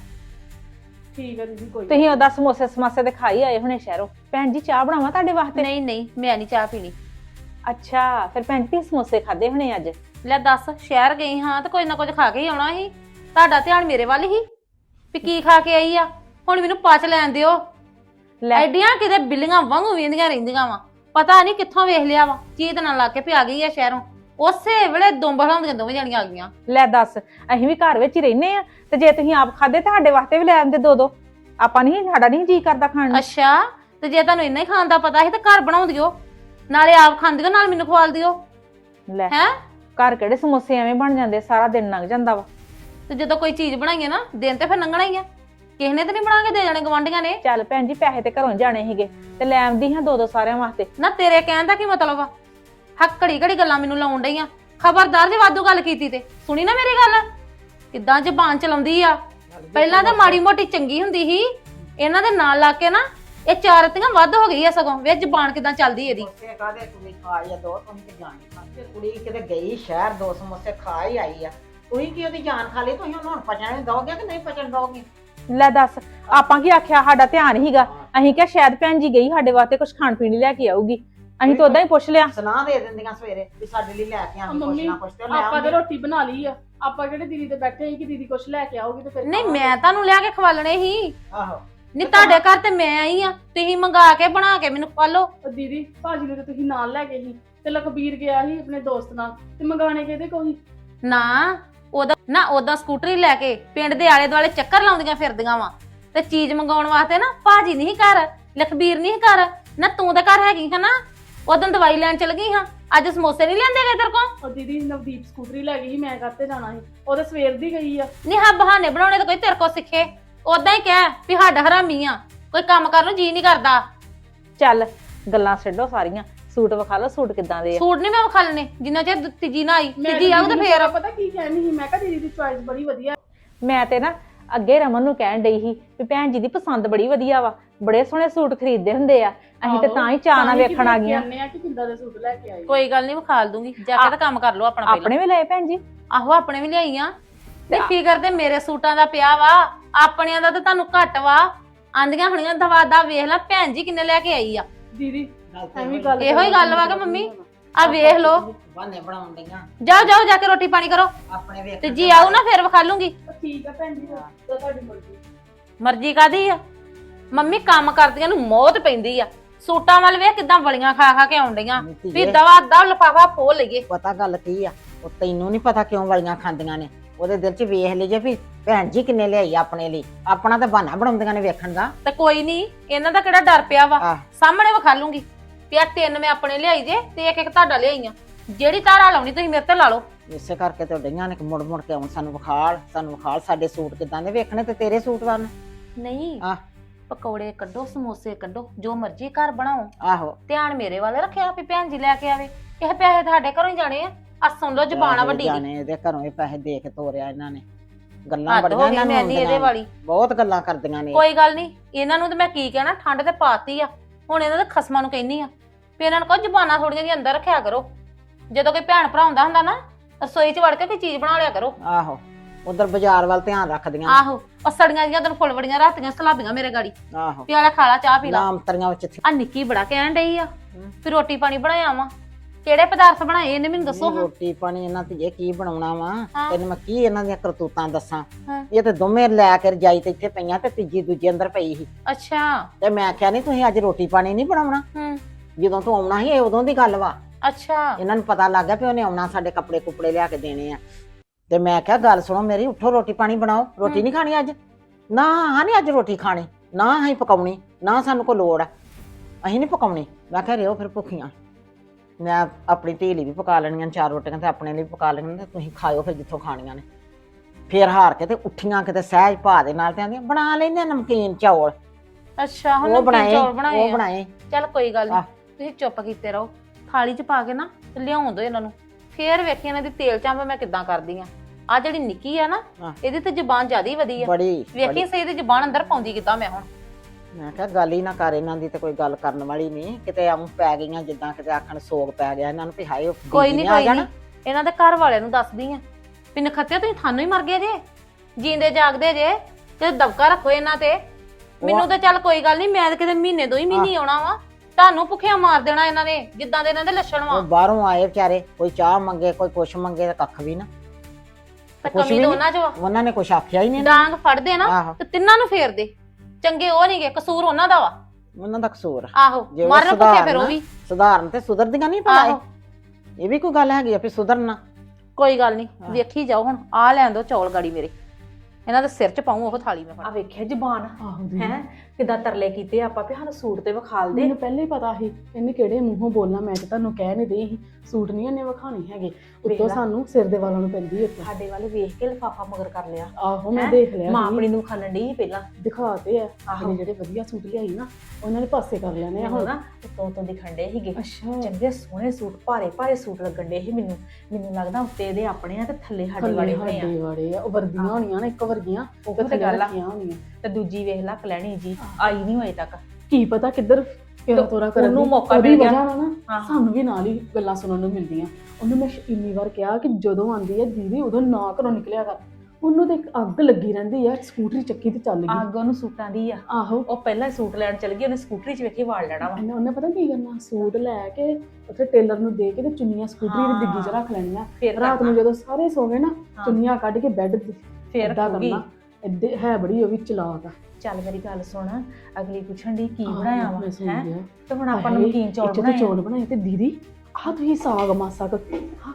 S2: ਠੀਕ ਹੈ ਦੀਦੀ ਕੋਈ
S1: ਤੁਸੀਂ ਉਹਦਾ ਸਮੋਸੇ ਸਮਾਸੇ ਤੇ ਖਾਈ ਆਏ ਹੁਣੇ ਸ਼ਹਿਰੋਂ। ਭੈਣ ਜੀ ਚਾਹ ਬਣਾਵਾਂ ਤੁਹਾਡੇ ਵਾਸਤੇ?
S4: ਨਹੀਂ ਨਹੀਂ, ਮੈਂ ਨਹੀਂ ਚਾਹ ਪੀਣੀ।
S1: ਅੱਛਾ ਫਿਰ ਭੈਣ ਜੀ ਸਮੋਸੇ ਖਾਦੇ ਹੋਣੇ ਅੱਜ।
S4: ਲੈ ਦੱਸ, ਸ਼ਹਿਰ ਗਈ ਹਾਂ ਤਾਂ ਕੁਝ ਨਾ ਕੁਝ ਖਾ ਕੇ ਹੀ ਆਉਣਾ ਸੀ। ਤੁਹਾਡਾ ਧਿਆਨ ਮੇਰੇ ਵੱਲ ਹੀ ਵੀ ਕੀ ਖਾ ਕੇ ਆਈ ਆ। ਹੁਣ ਮੈਨੂੰ ਪਚ ਲੈਣ ਦਿਓ।
S1: ਲੈ
S4: ਐਡੀਆਂ ਕਿਤੇ ਬਿੱਲੀਆਂ ਵਾਂਗੂ ਵੇਂਦੀਆਂ ਰਹਿੰਦੀਆਂ ਵਾ, ਪਤਾ ਨਹੀਂ ਕਿੱਥੋਂ ਵੇਖ ਲਿਆ ਵਾ, ਚੀਤ ਨਾਲ ਲਾ ਕੇ ਪਿਆ ਗਈ ਆ ਸ਼ਹਿਰੋਂ। ਉਸੇ ਵੇਲੇ ਦੁੰਬ ਹਲਾਉਂਦੀਆਂ ਦੋਵੇਂ ਜਣੀਆਂ ਆ ਗਈਆਂ।
S1: ਲੈ ਦੱਸ, ਅਸੀਂ ਵੀ ਘਰ ਵਿੱਚ ਹੀ ਰਹਿੰਦੇ ਆ ਤੇ ਜੇ ਤੁਸੀਂ ਆਪ ਖਾਦੇ ਤੁਹਾਡੇ ਵਾਸਤੇ ਵੀ ਲੈ ਆਉਂਦੇ ਦੋ ਦੋ। ਆਪਾਂ ਨਹੀਂ, ਸਾਡਾ ਨਹੀਂ ਜੀ ਕਰਦਾ ਖਾਣ ਨੂੰ।
S4: ਅੱਛਾ, ਤੇ ਜੇ ਤੁਹਾਨੂੰ ਇੰਨਾ ਹੀ ਖਾਣ ਦਾ ਪਤਾ ਸੀ ਤਾਂ ਘਰ ਬਣਾਉ ਦਿਓ, ਨਾਲੇ ਆਪ ਖਾਂदिਓ ਨਾਲ ਮੈਨੂੰ ਖਵਾਲ ਦਿਓ।
S1: ਲੈ
S4: ਹੈ
S1: ਘਰ ਕਿਹੜੇ ਸਮੋਸੇ ਐਵੇਂ ਬਣ ਜਾਂਦੇ, ਸਾਰਾ ਦਿਨ ਲੰਘ ਜਾਂਦਾ ਵਾ।
S4: ਤੇ ਜਦੋਂ ਕੋਈ ਚੀਜ਼ ਬਣਾਈਏ ਨਾ, ਦਿਨ ਤੇ ਫਿਰ ਲੰਘਣਾ ਹੀ ਆ। ਕਿਸੇ ਨੇ ਤੇ ਨਹੀਂ ਬਣਾ ਕੇ ਦੇ ਜਾਣੇ ਗਵਾਂਢੀਆਂ ਨੇ।
S1: ਚੱਲ ਭੈਣ ਜੀ ਪੈਸੇ ਤੇ ਘਰੋਂ ਜਾਣੇ ਸੀਗੇ ਤੇ ਲੈ ਆਉਂਦੀ ਹਾਂ ਦੋ ਦੋ ਸਾਰਿਆਂ ਵਾਸਤੇ।
S4: ਨਾ ਤੇਰੇ ਕਹਿਣ ਦਾ ਕੀ ਮਤਲਬ ਆ? ਹੱਕ ਘੜੀ ਘੜੀ ਗੱਲਾਂ ਮੈਨੂੰ ਲਾਉਣ ਡਈਆਂ। ਖਬਰਦਾਰ ਜੇ ਵਾਧੂ ਗੱਲ ਕੀਤੀ ਤੇ ਸੁਣੀ ਨਾ ਮੇਰੀ ਗੱਲ, ਕਿੱਦਾਂ ਜ਼ਬਾਨ ਚਲਾਉਂਦੀ ਆ। ਪਹਿਲਾਂ ਤਾਂ ਮਾੜੀ ਮੋਟੀ ਚੰਗੀ ਹੁੰਦੀ ਸੀ, ਇਹਨਾਂ ਦੇ ਨਾਲ ਲਾ ਕੇ ਨਾ ਇਹ ਚਾਰਤੀਆਂ ਵੱਧ ਹੋ ਗਈ ਆ। ਸਗੋਂ ਵੇ ਜ਼ਬਾਨ ਕਿੱਦਾਂ ਚੱਲਦੀ ਇਹਦੀ।
S3: ਸਮੋਸੇ ਕਾਹਦੇ ਕੁੜੀ ਖਾਈ ਆ ਦੋ, ਤੁਸੀਂ ਤੇ ਜਾਣ ਨਹੀਂ ਖਾਂਦੇ। ਕੁੜੀ ਕਿਤੇ ਗਈ ਸ਼ਹਿਰ, ਦੋ ਸਮੋਸੇ ਖਾ ਹੀ ਆਈ ਆ, ਤੁਸੀਂ ਕੀ ਉਹਦੀ ਜਾਨ ਖਾ ਲਈ? ਤੁਸੀਂ ਉਹਨੂੰ ਹੁਣ ਪਚਣ ਦੋਗੇ ਕਿ ਨਹੀਂ ਪਚਣ ਦੋਗੇ?
S1: ਲੈ ਦੱਸ, ਆਪਾਂ ਕੀ ਆਖਿਆ, ਸਾਡਾ ਧਿਆਨ ਹੀਗਾ। ਅਸੀਂ ਕਿਹਾ ਸ਼ਾਇਦ ਭੈਣ ਜੀ ਗਈ ਸਾਡੇ ਵਾਸਤੇ ਕੁਝ ਖਾਣ ਪੀਣ ਲਈ ਲੈ ਕੇ ਆਊਗੀ, ਅਸੀਂ ਤਾਂ ਉਦਾਂ ਹੀ ਪੁੱਛ ਲਿਆ।
S3: ਸੁਣਾ ਦੇ ਦਿੰਦੀਆਂ ਸਵੇਰੇ ਵੀ ਸਾਡੇ ਲਈ ਲੈ ਕੇ ਆਵੀਂ ਕੁਛ
S2: ਮੰਮੀ
S3: ਨਾ ਕੁਛ ਤੇ ਉਹ ਲੈ
S2: ਆਪਾਂ ਤੇ
S3: ਆਉਂਦੀ।
S2: ਰੋਟੀ ਬਣਾ ਲਈ ਆ, ਆਪਾਂ ਕਿਹੜੇ ਦੀਦੀ ਤੇ ਬੈਠੇ ਸੀ ਕਿ ਦੀਦੀ ਕੁਛ ਲੈ ਕੇ ਆਊਗੀ ਤੇ ਫਿਰ
S4: ਨਹੀਂ ਮੈਂ ਤੁਹਾਨੂੰ ਲਿਆ ਕੇ ਖਵਾਲਣੇ ਸੀ।
S3: ਆਹੋ
S4: ਨਹੀਂ ਤੁਹਾਡੇ ਘਰ ਤੇ ਮੈਂ ਆਈ ਆ, ਤੁਸੀਂ ਮੰਗਾ ਕੇ ਬਣਾ ਕੇ ਮੈਨੂੰ ਖਵਾਲੋ।
S2: ਉਹ ਦੀਦੀ ਭਾਜੀ ਨੂੰ ਤੇ ਤੁਸੀਂ ਨਾਲ ਲੈ ਗਏ ਸੀ ਤੇ ਲਖਬੀਰ ਗਿਆ ਸੀ ਆਪਣੇ ਦੋਸਤ ਨਾਲ, ਤੇ ਮੰਗਾਣੇ ਕਿਹਦੇ ਕੋਈ?
S4: ਨਾ ਉਹਦਾ ਨਾ ਉਹਦਾ ਸਕੂਟਰੀ ਲੈ ਕੇ ਪਿੰਡ ਦੇ ਆਲੇ ਦੁਆਲੇ ਚੱਕਰ ਲਾਉਂਦੀਆਂ ਫਿਰਦੀਆਂ ਵਾ, ਤੇ ਚੀਜ਼ ਮੰਗਾਉਣ ਵਾਸਤੇ ਨਾ ਭਾਜੀ ਨਹੀਂ ਘਰ, ਲਖਬੀਰ ਨਹੀਂ ਘਰ, ਨਾ ਤੂੰ ਤਾਂ ਘਰ ਹੈਗੀ ਹੈ ਨਾ। ਉਦੋਂ ਦਵਾਈ ਲੈਣ ਚਲ ਗਈ ਹਾਂ, ਅੱਜ ਸਮੋਸੇ ਨਹੀਂ ਲਿਆਂਦੇ ਗਏ ਤੇਰੇ ਕੋਲ?
S2: ਉਹ ਦੀਦੀ ਨਵਦੀਪ ਸਕੂਟਰੀ ਲੈ ਗਈ ਸੀ, ਮੈਂ ਕਰਤੇ ਜਾਣਾ ਸੀ, ਉਹ ਤਾਂ ਸਵੇਰ ਦੀ ਗਈ ਆ।
S4: ਨਹੀਂ ਹਾਂ ਬਹਾਨੇ ਬਣਾਉਣੇ ਤਾਂ ਕੋਈ ਤੇਰੇ ਕੋਲ ਸਿੱਖੇ। ਉਦਾਂ ਹੀ ਕਹਿ ਵੀ ਹੱਡ ਹਰਾਮੀ ਆ, ਕੋਈ ਕੰਮ ਕਰਨ ਨੂੰ ਜੀ ਨਹੀਂ ਕਰਦਾ।
S1: ਚੱਲ ਗੱਲਾਂ ਛੱਡੋ ਸਾਰੀਆਂ, ਸੂਟ ਵਿਖਾ ਲਓ, ਸੂਟ ਕਿੱਦਾਂ ਦੇ ਆ।
S4: ਸੂਟ ਨਹੀਂ ਮੈਂ ਵਿਖਾ ਲੈਣੇ ਜਿੰਨਾ ਚਿਰ ਤੀਜੀ ਨਾ ਆਈ।
S2: ਮੈਂ
S4: ਤੀਜੀ ਆਊ ਤਾਂ ਫੇਰ
S2: ਪਤਾ ਕੀ ਕਹਿਣੀ ਸੀ, ਮੈਂ ਕਿਹਾ ਦੀਦੀ ਦੀ ਚੁਆਇਸ ਬੜੀ ਵਧੀਆ।
S1: ਮੈਂ ਤੇ ਨਾ ਅੱਗੇ ਰਮਨ ਨੂੰ ਕਹਿਣ ਡਈ ਸੀ ਵੀ ਭੈਣ ਜੀ ਦੀ ਪਸੰਦ ਬੜੀ ਵਧੀਆ ਵਾ, ਬੜੇ ਸੋਹਣੇ ਸੂਟ ਖਰੀਦਦੇ ਹੁੰਦੇ ਆ, ਅਸੀਂ ਤੇ ਤਾਂ ਹੀ ਚਾਅ ਨਾਲ ਵੇਖਣ ਆ ਗਈਆਂ।
S2: ਆਨੇ ਆ ਕਿ ਕਿੰਦਾ ਦੇ ਸੂਟ ਲੈ ਕੇ ਆਏ।
S4: ਕੋਈ ਗੱਲ ਨਹੀਂ ਵਿਖਾਲ ਦੂੰਗੀ, ਜਾ ਕੇ ਤਾਂ ਕੰਮ ਕਰ ਲਓ ਆਪਣਾ ਪਹਿਲਾਂ।
S1: ਆਪਣੇ ਵੀ ਲਏ ਭੈਣ ਜੀ?
S4: ਆਹੋ ਆਪਣੇ ਵੀ ਲਿਆਈਆਂ। ਤੇ ਫਿਕਰ ਤੇ ਮੇਰੇ ਸੂਟਾਂ ਦਾ ਪਿਆ ਵਾ, ਆਪਣਿਆਂ ਦਾ ਤਾਂ ਤੁਹਾਨੂੰ ਘੱਟ ਵਾ। ਆਂਦੀਆਂ ਹੁਣੀਆਂ ਦਵਾ ਦਾ ਵੇਖ ਲੈ ਭੈਣ ਜੀ ਕਿੰਨੇ ਲੈ ਕੇ ਆਈ ਆ।
S2: ਦੀਦੀ
S3: ਗੱਲ ਤੇ
S2: ਐਵੇਂ ਗੱਲ
S4: ਇਹੋ ਹੀ ਗੱਲ ਵਾ ਕਿ ਮੰਮੀ ਆ ਵੇਖ ਲੋ।
S3: ਬਹਾਨੇ ਬਣਾਉਣ ਡੀਆਂ
S4: ਜਾਓ ਜਾਓ ਜਾ ਕੇ ਰੋਟੀ ਪਾਣੀ ਕਰੋ,
S3: ਆਪਣੇ ਵੇਖ
S4: ਤੇ ਜੀ ਆਊ ਨਾ ਫੇਰ ਵਿਖਾ ਲੂੰਗੀ।
S2: ਠੀਕ ਆ ਭੈਣ ਜੀ, ਤਾਂ ਤੁਹਾਡੀ ਮਰਜ਼ੀ।
S4: ਮਰਜ਼ੀ ਕਾਦੀ ਆ ਮੰਮੀ, ਕੰਮ ਕਰਦੀਆਂ ਨੂੰ ਮੌਤ ਪੈਂਦੀ ਆ। ਸੂਟਾਂ ਵੱਲ ਵੇਖ ਕਿਦਾਂ ਵਲੀਆਂ ਖਾ ਖਾ ਕੇ ਆਉਣ ਡੀਆਂ ਵੀ ਦਵਾ ਦਾ ਲਿਫਾਫਾ ਖੋਲ ਲਈਏ।
S3: ਪਤਾ ਗੱਲ ਕੀ ਆ, ਉਹ ਤੈਨੂੰ ਨਹੀਂ ਪਤਾ ਕਿਉਂ ਵਾਲੀਆਂ ਖਾਂਦੀਆਂ ਨੇ, ਉਹਦੇ ਦਿਲ 'ਚ ਵੇਖ ਲਈਏ ਵੀ ਭੈਣ ਜੀ ਕਿੰਨੇ ਲਿਆਈ ਆਪਣੇ ਲਈ, ਆਪਣਾ ਤਾਂ ਬਹਾਨਾ ਬਣਾਉਂਦੀਆਂ ਨੇ ਵੇਖਣ ਦਾ।
S4: ਤੇ ਕੋਈ ਨਹੀਂ, ਇਹਨਾਂ ਦਾ ਕਿਹੜਾ ਡਰ ਪਿਆ ਵਾ,
S3: ਆਹ।
S4: ਸਾਹਮਣੇ ਵਿਖਾ ਲੂੰਗੀ ਵੀ ਆ ਤਿੰਨ ਮੈਂ ਆਪਣੇ ਲਿਆਈ ਜੇ ਤੇ ਇੱਕ ਇੱਕ ਤੁਹਾਡਾ ਲਿਆਈਆਂ। ਜਿਹੜੀ ਧਾਰਾ ਲਾਉਣੀ ਤੁਸੀਂ ਮੇਰੇ ਤੇ ਲਾ ਲਓ।
S3: ਇਸੇ ਕਰਕੇ ਤੇ ਡਈਆਂ ਨੇ ਕਿ ਮੁੜ ਮੁੜ ਕੇ ਆਉਣ, ਸਾਨੂੰ ਵਿਖਾਲ ਸਾਨੂੰ ਵਿਖਾਲ ਸਾਡੇ ਸੂਟ ਕਿਦਾਂ ਦੇ ਵੇਖਣੇ ਤੇ ਤੇਰੇ ਸੂਟ ਵਨ।
S4: ਨਹੀਂ
S3: ਆਹ।
S4: ਪਕੌੜੇ ਕੱਢੋ, ਸਮੋਸੇ ਕੱਢੋ, ਜੋ ਮਰਜ਼ੀ ਘਰ ਬਣਾਓ,
S3: ਆਹੋ
S4: ਧਿਆਨ ਮੇਰੇ ਵੱਲ ਰੱਖਿਆ ਵੀ ਭੈਣ ਜੀ ਲੈ ਕੇ ਆਵੇ। ਇਹ ਪੈਸੇ ਤੁਹਾਡੇ ਘਰੋਂ ਹੀ ਜਾਣੇ ਆ। ਆ ਸੁਣ ਲਓ ਜ਼ਬਾਨ ਆ ਵੱਡੀ ਦੀ।
S3: ਜਾਣੇ ਇਹਦੇ ਘਰੋਂ ਇਹ ਪੈਸੇ ਦੇ ਕੇ ਤੋਰਿਆ ਇਹਨਾਂ ਨੇ, ਗੱਲਾਂ
S4: ਹੱਦ ਹੋ
S3: ਬੜੀਆਂ
S4: ਗਈ
S3: ਇਹਨਾਂ ਨੂੰ
S4: ਮੈਂ ਨਹੀਂ ਇਹਦੇ
S3: ਆਉਂਦੀਆਂ
S4: ਵਾਲੀ।
S3: ਨੇ, ਬਹੁਤ ਗੱਲਾਂ ਕਰਦੀਆਂ ਨੇ।
S4: ਕੋਈ ਗੱਲ ਨਹੀਂ, ਇਹਨਾਂ ਨੂੰ ਤੇ ਮੈਂ ਕੀ ਕਹਿਣਾ, ਠੰਡ ਤੇ ਪਾਤੀ ਆ। ਹੁਣ ਇਹਨਾਂ ਦੇ ਖਸਮਾਂ ਨੂੰ ਕਹਿੰਨੀ ਆ ਵੀ ਇਹਨਾਂ ਨੂੰ ਕਹੋ ਜ਼ਬਾਨਾਂ ਥੋੜੀਆਂ ਜਿਹੀਆਂ ਅੰਦਰ ਰੱਖਿਆ ਕਰੋ। ਜਦੋਂ ਕੋਈ ਭੈਣ ਭਰਾ ਹੁੰਦਾ ਹੁੰਦਾ ਨਾ, ਰਸੋਈ 'ਚ ਵੜ ਕੇ ਕੋਈ ਚੀਜ਼ ਬਣਾ ਲਿਆ ਕਰੋ।
S3: ਆਹੋ ਉਧਰ ਬਾਜ਼ਾਰ ਵੱਲ ਧਿਆਨ ਰੱਖਦੀਆਂ।
S4: ਆਹੋ ਉਹ ਸੜੀਆਂ ਜੀਆਂ ਦਿਨ ਫੁੱਲਵੜੀਆਂ ਰਾਤੀਆਂ ਸਲਾਬੀਆਂ ਮੇਰੇ ਗਾੜੀ
S3: ਆਹੋ
S4: ਪਿਆਲਾ ਖਾਲਾ ਚਾਹ ਪੀ ਲਾ।
S3: ਲਾਮਤਰੀਆਂ ਵਿੱਚ
S4: ਆ ਨਿੱਕੀ ਬੜਾ ਕਹਿਣ ਡਈ ਆ ਵੀ ਰੋਟੀ ਪਾਣੀ ਬਣਾਇਆ ਵਾ, ਕਿਹੜੇ ਪਦਾਰਥ ਬਣਾਏ ਇਹਨੇ ਮੈਨੂੰ ਦੱਸੋ ਹਾਂ।
S3: ਰੋਟੀ ਪਾਣੀ ਇਹਨਾਂ ਧੀਏ ਕੀ ਬਣਾਉਣਾ ਵਾ,
S4: ਹਾਂ।
S3: ਤੈਨੂੰ ਮੈਂ ਕੀ ਇਹਨਾਂ ਦੀਆਂ ਕਰਤੂਤਾਂ ਦੱਸਾਂ।
S4: ਹਾਂ।
S3: ਇਹ ਤੇ ਦੋਵੇਂ ਲੈ ਕੇ ਰਜਾਈ ਤੇ ਇੱਥੇ ਪਈਆਂ ਤੇ ਤੀਜੀ ਦੂਜੇ ਅੰਦਰ ਪਈ ਸੀ,
S4: ਅੱਛਾ।
S3: ਤੇ ਮੈਂ ਆਖਿਆ ਨਹੀਂ ਤੁਸੀਂ ਅੱਜ ਰੋਟੀ ਪਾਣੀ ਨਹੀਂ ਬਣਾਉਣਾ,
S4: ਹੂੰ।
S3: ਜਦੋਂ ਤੂੰ ਆਉਣਾ ਸੀ ਇਹ ਉਦੋਂ ਦੀ ਗੱਲ ਵਾ।
S4: ਅੱਛਾ।
S3: ਇਹਨਾਂ ਨੂੰ ਪਤਾ ਲੱਗ ਗਿਆ ਵੀ ਉਹਨੇ ਆਉਣਾ, ਸਾਡੇ ਕੱਪੜੇ ਕੁਪੜੇ ਲਿਆ ਕੇ ਦੇਣੇ ਆ, ਤੇ ਮੈਂ ਕਿਹਾ ਗੱਲ ਸੁਣੋ ਮੇਰੀ, ਉੱਠੋ ਰੋਟੀ ਪਾਣੀ ਬਣਾਓ, ਰੋਟੀ ਨਹੀਂ ਖਾਣੀ ਅੱਜ? ਨਾ ਹਾਂ ਨਹੀਂ ਅੱਜ ਰੋਟੀ ਖਾਣੀ, ਨਾ ਅਸੀਂ ਪਕਾਉਣੀ, ਨਾ ਸਾਨੂੰ ਕੋਈ ਲੋੜ ਆ, ਅਸੀਂ ਨਹੀਂ ਪਕਾਉਣੀ। ਮੈਂ ਕਿਹਾ ਰਿਓ ਫਿਰ ਭੁੱਖੀਆਂ, ਮੈਂ ਆਪਣੀ ਧੀ ਲਈ ਵੀ ਪਕਾ ਲੈਣੀਆਂ ਚਾਰ ਰੋਟੀਆਂ ਤੇ ਆਪਣੇ ਲਈ ਵੀ ਪਕਾ ਲੈਣੀਆਂ, ਤੇ ਤੁਸੀਂ ਖਾਇਓ ਫਿਰ ਜਿੱਥੋਂ ਖਾਣੀਆਂ ਨੇ। ਫੇਰ ਹਾਰ ਕੇ ਤੇ ਉੱਠੀਆਂ ਕਿਤੇ ਸਹਿਜ ਭਾ ਦੇ ਨਾਲ ਤੇ ਆਂਦੀਆਂ ਬਣਾ ਲੈਂਦੇ ਨਮਕੀਨ ਚੌਲ।
S4: ਅੱਛਾ ਹੁਣ
S3: ਉਹ
S4: ਨਮਕੀਨ
S3: ਬਣਾਏ
S4: ਚੌਲ ਬਣਾਏ
S3: ਉਹ
S4: ਆ।
S3: ਬਣਾਏ
S4: ਚੱਲ ਕੋਈ ਗੱਲ
S3: ਆਹ।
S4: ਨਹੀਂ, ਤੁਸੀਂ ਚੁੱਪ ਕੀਤੇ ਰਹੋ, ਥਾਲੀ 'ਚ ਪਾ ਕੇ ਨਾ ਤੇ ਲਿਆਉਣ ਦਿਓ ਇਹਨਾਂ ਨੂੰ, ਫੇਰ ਵੇਖੀ ਇਹਨਾਂ ਦੀ ਤੇਲ ਚਾਂਪ ਮੈਂ ਕਿੱਦਾਂ ਕਰਦੀ ਆ। ਆ ਜਿਹੜੀ ਨਿੱਕੀ ਆ ਨਾ,
S3: ਹਾਂ।
S4: ਇਹਦੀ ਤੇ ਜ਼ੁਬਾਨ ਜ਼ਿਆਦਾ ਹੀ ਵਧੀਆ,
S3: ਬੜੀ
S4: ਵੇਖੀ
S3: ਬੜੀ।
S4: ਸਹੀ ਦੀ ਜ਼ੁਬਾਨ ਅੰਦਰ ਪਾਉਂਦੀ ਕਿੱਦਾਂ ਮੈਂ ਹੁਣ।
S3: ਮੈਂ ਕਿਹਾ ਗੱਲ ਹੀ ਨਾ ਕਰ, ਇਹਨਾਂ ਦੀ ਤੇ ਕੋਈ ਗੱਲ ਕਰਨ ਵਾਲੀ ਨਹੀਂ, ਕਿਤੇ ਆਉਂ ਪੈ ਗਈਆਂ ਜਿੱਦਾਂ ਕਿਤੇ ਆਖਣ ਸੋਗ ਪੈ ਗਿਆ ਇਹਨਾਂ ਨੂੰ ਵੀ ਹਾਏ ਉਹ
S4: ਕੋਈ
S3: ਦੀਦੀ
S4: ਨਹੀਂ
S3: ਨੇ ਆ
S4: ਕੋਈ
S3: ਜਾਣਾ।
S4: ਨਹੀਂ, ਇਹਨਾਂ ਦੇ ਘਰ ਵਾਲਿਆਂ ਨੂੰ ਦੱਸਦੀ ਆ ਵੀ ਨਖੱਤਿਆ ਤੁਸੀਂ ਥਾਨੂੰ ਹੀ ਮਰ ਗਏ ਜੇ, ਜੀਂਦੇ ਜਾਗਦੇ ਜੇ, ਤੇ ਦਬਕਾ ਰੱਖੋ ਇਹਨਾਂ ਤੇ। ਮੈਨੂੰ ਤਾਂ ਚੱਲ ਕੋਈ ਗੱਲ ਨਹੀਂ, ਮੈਂ ਤਾਂ ਕਿਤੇ ਮਹੀਨੇ ਦੋ ਹੀ ਮਹੀਨੇ ਆਉਣਾ ਵਾ, ਤੁਹਾਨੂੰ ਭੁੱਖਿਆ ਮਾਰ ਦੇਣਾ ਇਹਨਾਂ ਨੇ, ਜਿੱਦਾਂ ਦੇ ਇਹਨਾਂ ਦੇ ਲੱਛਣ ਵਾ।
S3: ਉਹ ਬਾਹਰੋਂ ਆਏ ਵਿਚਾਰੇ, ਕੋਈ ਚਾਹ ਮੰਗੇ ਕੋਈ ਕੁਛ ਮੰਗੇ ਤੇ ਕੱਖ ਵੀ ਨਾ,
S4: ਤੇ
S3: ਕੁਛ
S4: ਕਮੀ
S3: ਵੀ
S4: ਤਾਂ
S3: ਨੀ।
S4: ਉਹਨਾਂ 'ਚ ਵਾ।
S3: ਉਹਨਾਂ ਨੇ ਕੁਛ ਆਖਿਆ ਹੀ ਨਹੀਂ।
S4: ਡਾਂਗ ਫੜਦੇ ਨਾ
S3: ਆਹੋ
S4: ਤੇ ਤਿੰਨਾਂ ਨੂੰ ਫੇਰ ਦੇ, ਚੰਗੇ ਉਹ ਨਹੀਂਗੇ, ਕਸੂਰ ਉਹਨਾਂ ਦਾ ਵਾ।
S3: ਉਹਨਾਂ ਦਾ ਕਸੂਰ ਆ।
S4: ਆਹੋ
S3: ਜੇ ਉਹ
S4: ਮਰਨ ਭੁੱਖੇ ਫਿਰ ਉਹ
S3: ਸੁਧਾਰਨ
S4: ਵੀ।
S3: ਸੁਧਾਰਨ ਤੇ ਸੁਧਰਦੀਆਂ ਨਹੀਂ ਭਲਾ
S4: ਆਹੋ
S3: ਇਹ ਵੀ ਕੋਈ ਗੱਲ ਹੈਗੀ ਆ ਵੀ ਸੁਧਰਨਾ।
S4: ਕੋਈ ਗੱਲ ਨਹੀਂ,
S3: ਹਾਂ।
S4: ਵੇਖੀ ਜਾਓ ਹੁਣ, ਆ ਲੈਣ ਦੋ ਚੌਲ ਗਾੜੀ ਮੇਰੇ, ਇਹਨਾਂ ਦੇ ਸਿਰ 'ਚ ਪਾਉਂ ਉਹ ਥਾਲੀ ਮੈਂ
S1: ਆ
S4: ਫੜ।
S1: ਵੇਖਿਆ ਜ਼ਬਾਨ
S2: ਆਹੋ ਦੀਦੀ।
S1: ਹੈ ਕਿਦਾਂ ਤਰਲੇ ਕੀਤੇ ਆਪਾਂ ਵੀ ਸਾਨੂੰ ਸੂਟ ਤੇ ਵਿਖਾਲ ਦੇ।
S2: ਮੈਨੂੰ ਪਹਿਲਾਂ ਹੀ ਪਤਾ ਸੀ ਇਹਨੇ ਕਿਹੜੇ ਮੂੰਹੋਂ ਬੋਲਣਾ, ਮੈਂ ਤਾਂ ਤੁਹਾਨੂੰ ਕਹਿ ਨਹੀਂ ਰਹੀ ਸੀ ਸੂਟ ਨਹੀਂ ਇਹਨੇ ਵਿਖਾਣੇ ਹੈਗੇ,
S1: ਵੇਖ
S2: ਉੱਤੋਂ
S1: ਲਾ।
S2: ਸਾਨੂੰ ਸਿਰ ਦੇ ਵਾਲਾਂ ਨੂੰ ਪੈਂਦੀ ਇੱਕ।
S1: ਸਾਡੇ ਵੱਲ ਵੇਖ ਕੇ ਲਿਫਾਫਾ ਮਗਰ ਕਰ ਲਿਆ।
S2: ਆਹੋ ਮੈਂ
S1: ਹੈਂ?
S2: ਦੇਖ ਲਿਆ
S1: ਮਾਂ
S2: ਸੀ।
S1: ਆਪਣੀ ਨੂੰ ਖਾਣ ਡਈ ਸੀ ਪਹਿਲਾਂ।
S2: ਦਿਖਾਤੇ ਆ
S1: ਆਹੋ।
S2: ਆਪਣੇ ਜਿਹੜੇ ਵਧੀਆ ਸੂਟ ਲਿਆਈ ਨਾ ਉਹਨਾਂ ਨੇ ਪਾਸੇ ਕਰ ਲੈਣੇ ਆ
S1: ਹੁਣ
S2: ਹੁਣ।
S1: ਨਾ ਉੱਤੋਂ ਉੱਤੋਂ ਦਿਖਣ ਡੇ ਸੀਗੇ
S2: ਅੱਛਾ
S1: ਚੰਗੇ ਸੋਹਣੇ ਸੂਟ, ਭਾਰੇ ਭਾਰੇ ਸੂਟ ਲੱਗਣ ਡੇ ਸੀ ਮੈਨੂੰ। ਮੈਨੂੰ ਲੱਗਦਾ ਉੱਤੇ ਇਹਦੇ ਆਪਣੇ ਆ ਤੇ ਥੱਲੇ ਸਾਡੇ
S2: ਥੱਲੇ
S1: ਵਾਲੇ ਹੋਣੇ ਆ।
S2: ਸਾਡੇ ਵਾਲੇ ਆ, ਉਹ ਵਰਦੀਆਂ ਹੋਣੀਆਂ ਨਾ ਇੱਕ ਵਰਗੀਆਂ
S1: ਉਹ
S2: ਤੇ
S1: ਤੇ
S2: ਥੱਲੇ
S1: ਗੱਲ ਆ।
S2: ਰੱਖੀਆਂ ਹੋਣੀਆਂ।
S1: ਤੇ ਦੂਜੀ ਵੇਖ ਲਾ ਕਲੈਣੀ ਜੀ ਆਈ ਨਹੀਂ ਹੋਏ ਤੱਕ।
S2: ਕੀ ਪਤਾ ਕਿੱਧਰ ਕਿਹੜਾ ਤੋਰਾ ਕਰਨ
S1: ਉਹਨੂੰ
S2: ਦੀ।
S1: ਮੌਕਾ
S2: ਉਹਦੀ
S1: ਮਿਲ ਗਿਆ।
S2: ਵਜ੍ਹਾ ਨਾਲ ਨਾ
S1: ਹਾਂ।
S2: ਸਾਨੂੰ ਵੀ ਨਾਲ ਹੀ ਗੱਲਾਂ ਸੁਣਨ ਨੂੰ ਮਿਲਦੀਆਂ। ਉਹਨੂੰ ਮੈਂ ਇੰਨੀ ਵਾਰ ਕਿਹਾ ਕਿ ਜਦੋਂ ਆਂਦੀ ਹੈ ਦੀਦੀ ਉਦੋਂ ਨਾ ਘਰੋਂ ਨਿਕਲਿਆ ਕਰ, ਉਹਨੂੰ ਤੇ ਇੱਕ ਅੱਗ ਲੱਗੀ ਰਹਿੰਦੀ ਆ, ਸਕੂਟਰੀ ਚੱਕੀ ਤੇ ਚੱਲ ਗਈ।
S1: ਅੱਗ ਉਹਨੂੰ ਸੂਟਾਂ ਦੀ ਆ।
S2: ਆਹੋ
S1: ਉਹ ਪਹਿਲਾਂ ਹੀ ਸੂਟ ਲੈਣ ਚਲ ਗਈ, ਉਹਨੇ ਸਕੂਟਰੀ 'ਚ ਵੇਖੀ ਵਾਲ ਲੈਣਾ ਵਾ।
S2: ਇਹਨੇ ਉਹਨੇ ਪਤਾ ਕੀ ਕਰਨਾ, ਸੂਟ ਲੈ ਕੇ ਉੱਥੇ ਟੇਲਰ ਨੂੰ ਦੇ ਕੇ ਤੇ ਚੁੰਨੀਆਂ ਸਕੂਟਰੀ ਦੀ ਡਿੱਗੀ 'ਚ ਰੱਖ ਲੈਣੀਆਂ।
S1: ਫੇਰ
S2: ਰਾਤ ਨੂੰ ਜਦੋਂ ਸਾਰੇ ਸੋ ਗਏ ਨਾ,
S1: ਹਾਂ।
S2: ਚੁੰਨੀਆਂ ਕੱਢ ਕੇ ਬੈੱਡ ਤੇ
S1: ਫੇਰ
S2: ਏਦਾਂ
S1: ਰੱਖੂਗੀ।
S2: ਕਰਨਾ। ਏਦੇ ਹੈ ਬੜੀ ਉਹ ਵੀ ਚਲਾਕ ਆ।
S1: ਚੱਲ ਮੇਰੀ ਗੱਲ ਸੁਣ, ਅਗਲੀ ਪੁੱਛਣ ਦੀ ਕੀ
S2: ਆਹੋ,
S1: ਬਣਾਇਆ ਵਾ
S2: ਮੈਂ ਸੁਣ
S1: ਹੈ
S2: ਲਿਆ।
S1: ਤੇ ਹੁਣ ਆਪਾਂ
S2: ਹਾਏ,
S1: ਨਮਕੀਨ ਚੌਲ
S2: ਇੱਥੇ ਤੇ
S1: ਬਣਾਏ
S2: ਚੌਲ ਬਣਾਏ ਤੇ ਦੀਦੀ ਆਹ ਤੁਸੀਂ ਸਾਗ ਮਾਸਾ ਕ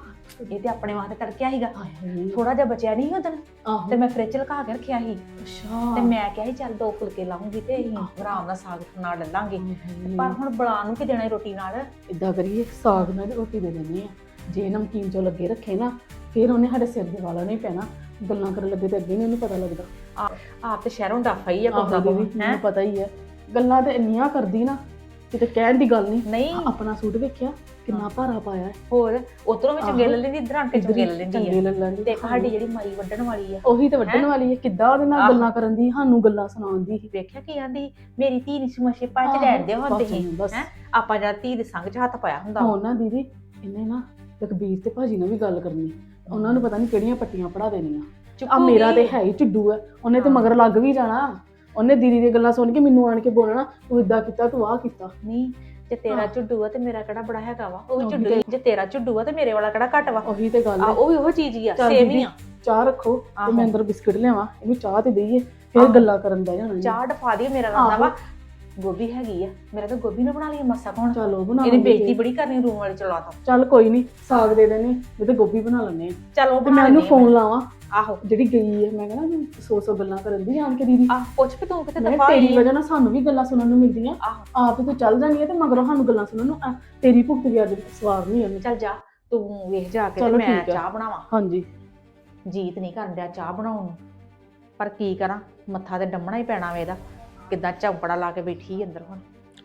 S1: ਇਹ ਤੇ ਆਪਣੇ ਵਾਸਤੇ ਤੜਕਿਆ ਸੀਗਾ।
S2: ਹਾਏ ਹਾਏ
S1: ਥੋੜਾ ਜਿਹਾ ਬਚਿਆ ਨਹੀਂ ਉਦੋਂ
S2: ਆਹੋ
S1: ਤੇ ਮੈਂ ਫ੍ਰਿਜ 'ਚ ਲਗਾ ਕੇ ਰੱਖਿਆ ਸੀ।
S2: ਅੱਛਾ
S1: ਤੇ ਮੈਂ ਕਿਹਾ ਸੀ ਚੱਲ ਦੋ ਫੁਲਕੇ ਲਾਉਂਗੀ ਤੇ ਅਸੀਂ ਆਰਾਮ ਨਾਲ ਸਾਗ ਨਾਲ ਡਲਾਂਗੇ। ਪਰ ਹੁਣ ਬੁਲਾ ਨੂੰ ਕੀ ਦੇਣਾ ਈ ਰੋਟੀ ਨਾਲ।
S2: ਇਦਾਂ ਕਰੀਏ ਸਾਗ ਨਾਲ ਰੋਟੀ ਦੇ ਦਿੰਦੇ ਆ, ਜੇ ਨਮਕੀਨ ਚੋਂ ਲੱਗੇ ਰੱਖੇ ਨਾ ਫਿਰ ਉਹਨੇ ਸਾਡੇ ਸਿਰ ਦੇ ਵਾਲਾ ਨਹੀਂ ਪੈਣਾ, ਗੱਲਾਂ ਕਰਨ ਲੱਗੇ ਤੇ ਅੱਗੇ ਨਹੀਂ ਉਹਨੂੰ ਪਤਾ ਲੱਗਦਾ।
S1: ਆਪ ਤੇ ਸ਼ਹਿਰੋਂ ਡਾਫਾ ਹੀ ਆ
S2: ਆਹੋ
S1: ਕੋਦਾ
S2: ਦੀਦੀ,
S1: ਹੈ
S2: ਮੈਨੂੰ ਪਤਾ ਹੀ ਹੈ, ਗੱਲਾਂ ਤੇ ਇੰਨੀਆਂ ਕਰਦੀ ਨਾ ਕਿਤੇ ਕਹਿਣ ਦੀ ਗੱਲ ਨਹੀਂ।
S1: ਨਹੀਂ
S2: ਆਪਣਾ ਸੂਟ ਵੇਖਿਆ ਕਿੰਨਾ ਭਾਰਾ ਪਾਇਆ ਹੈ,
S1: ਹੋਰ ਉਧਰੋਂ ਵੀ ਚੰਗੇ
S2: ਆਹੋ।
S1: ਲੈ ਲੈਂਦੀ, ਇਧਰ ਆਣ ਕੇ
S2: ਇੱਧਰ
S1: ਚੰਗੇ
S2: ਹੀ
S1: ਲੈ ਲੈਂਦੀ
S2: ਚੰਗੇ
S1: ਆ।
S2: ਲੈ ਲੈਂਦੀ।
S1: ਤੇ ਇੱਕ ਸਾਡੀ ਜਿਹੜੀ ਮਾਈ ਵੱਢਣ ਵਾਲੀ ਆ,
S2: ਉਹੀ ਤੇ ਵੱਢਣ
S1: ਹੈਂ?
S2: ਵਾਲੀ ਹੈ, ਕਿੱਦਾਂ ਉਹਦੇ ਨਾਲ
S1: ਆਹੋ।
S2: ਗੱਲਾਂ ਕਰਨ ਦੀ, ਸਾਨੂੰ ਗੱਲਾਂ ਸੁਣਾਉਂਦੀ ਸੀ।
S1: ਵੇਖਿਆ ਕੀ ਆਂਦੀ ਮੇਰੀ ਧੀ ਨਹੀਂ ਸਮਝੇ ਪੰਜ
S2: ਆਹੋ,
S1: ਡੈਡ ਦੇ ਹੁੰਦੇ
S2: ਬਸ,
S1: ਸੀ
S2: ਬਸ।
S1: ਹੈ। ਆਪਾਂ ਜਦ ਧੀ ਦੇ ਸੰਗ 'ਚ ਹੱਥ ਪਾਇਆ ਹੁੰਦਾ
S2: ਹੁਣ ਨਾ ਦੀਦੀ ਇਹਨੇ ਨਾ ਲਖਬੀਰ ਤੇ ਭਾਜੀ ਨਾਲ ਵੀ ਗੱਲ ਕਰਨੀ, ਉਹਨਾਂ ਨੂੰ ਪਤਾ ਨਹੀਂ ਕਿਹੜੀਆਂ ਪੱਟੀਆਂ ਪੜਾ ਦੇਣੀਆਂ। ਆ
S1: ਚੁੱਕੂਗੀ।
S2: ਮੇਰਾ ਤੇ ਹੈ ਹੀ ਝੁੱਡੂ ਹੈ, ਉਹਨੇ ਤੇ
S1: ਹਾਂ।
S2: ਮਗਰ ਲੱਗ ਵੀ ਜਾਣਾ, ਉਹਨੇ ਦੀਦੀ ਦੀਆਂ ਗੱਲਾਂ ਸੁਣ ਕੇ ਮੈਨੂੰ ਆਣ ਕੇ ਬੋਲਣਾ ਤੂੰ ਇਦਾਂ ਕੀਤਾ ਤੂੰ ਆਹ ਕੀਤਾ।
S1: ਨਹੀਂ ਜੇ ਤੇਰਾ
S2: ਹਾਂ।
S1: ਝੁੱਡੂ ਆ ਤੇ ਮੇਰਾ ਕਿਹੜਾ ਬੜਾ ਹੈਗਾ ਵਾ, ਉਹ ਵੀ
S2: ਉਹੀ
S1: ਝੁੱਡੂ
S2: ਤੇ-
S1: ਹੀ। ਜੇ ਤੇਰਾ ਝੁੱਡੂ ਆ ਤੇ ਮੇਰੇ ਵਾਲਾ ਕਿਹੜਾ ਘੱਟ ਵਾ।
S2: ਉਹੀ ਤੇ ਗੱਲ
S1: ਆ
S2: ਹੈ।
S1: ਉਹ ਵੀ ਉਹ ਚੀਜ਼ ਹੀ ਆ,
S2: ਚੱਲ
S1: ਸੇਮ ਹੀ
S2: ਦੀਦੀ,
S1: ਆ।
S2: ਚਾਹ ਰੱਖੋ ਤੇ
S1: ਆਹੋ।
S2: ਮੈਂ ਅੰਦਰ ਬਿਸਕੁਟ ਲਿਆਵਾਂ, ਇਹਨੂੰ ਚਾਹ ਤੇ ਦੇਈਏ ਫਿਰ
S1: ਆਹੋ।
S2: ਗੱਲਾਂ ਕਰਨ ਬਹਿ ਜਾਣਾ।
S1: ਚਾਹ ਡਫਾ ਦੀ ਮੇਰਾ ਰੰਦਾ
S2: ਆਹੋ।
S1: ਵਾ। ਗੋਭੀ ਹੈਗੀ ਆ, ਮੇਰਾ ਤਾਂ ਗੋਭੀ ਨਾ ਬਣਾ ਲਈ ਮਸਾ ਕੋਣ।
S2: ਚਲੋ ਬਣਾ
S1: ਇਹਨੇ
S2: ਲਵਾਂਗੇ।
S1: ਬੇਇੱਜ਼ਤੀ ਬੜੀ ਕਰਨੀ ਰੂਮ ਵਾਲੇ ਚਲਾ ਤਾ।
S2: ਚੱਲ ਕੋਈ ਨਹੀਂ, ਸਾਗ ਦੇ ਦੇਣੇ ਨਹੀਂ ਤੇ ਗੋਭੀ ਬਣਾ ਲੈਣੇ।
S1: ਚੱਲ ਉਹ
S2: ਤੇ
S1: ਬਣਾ
S2: ਮੈਂ ਉਹਨੂੰ
S1: ਲੈਂਦੀ ਆ
S2: ਫੋਨ ਲਾਵਾਂ
S1: ਆਹੋ
S2: ਜਿਹੜੀ ਗਈ ਹੈ, ਮੈਂ ਕਹਿੰਦਾ ਸੌ ਸੌ ਗੱਲਾਂ ਕਰਨ ਦੀ ਆਣ ਕੇ ਦੀਦੀ।
S1: ਆਹ ਪੁੱਛ ਵੀ ਤੂੰ ਕਿਤੇ
S2: ਮੈਂ
S1: ਦਫਾ
S2: ਤੇਰੀ
S1: ਹੋਈ
S2: ਵਜ੍ਹਾ ਨਾਲ ਸਾਨੂੰ ਵੀ ਗੱਲਾਂ ਸੁਣਨ ਨੂੰ ਮਿਲਦੀਆਂ,
S1: ਆਹੋ
S2: ਆਪ ਤੂੰ ਚੱਲ ਜਾਣੀ ਹੈ ਤੇ ਮਗਰੋਂ ਸਾਨੂੰ ਗੱਲਾਂ ਸੁਣਨ ਨੂੰ। ਆ, ਤੇਰੀ ਭੁਗਤ ਵੀ ਅੱਜ ਸਵਾਰ ਨਹੀਂ ਉਹਨੂੰ।
S1: ਚੱਲ ਜਾ ਤੂੰ ਵੇਖ ਜਾ ਕੇ ਤੇ
S2: ਚਲੋ
S1: ਮੈਂ
S2: ਠੀਕ ਆ।
S1: ਚਾਹ ਬਣਾਵਾਂ।
S2: ਹਾਂਜੀ
S1: ਜੀਤ ਨਹੀਂ ਕਰਨ ਡਿਆ ਚਾਹ ਬਣਾਉਣ ਨੂੰ, ਪਰ ਕੀ ਕਰਾਂ, ਮੱਥਾ ਤੇ ਡੰਮਣਾ ਹੀ ਪੈਣਾ ਵੇ ਇਹਦਾ। ਕਿੱਦਾਂ ਚੌਂਪੜਾ ਲਾ ਕੇ ਬੈਠੀ ਅੰਦਰ ਹੁਣ।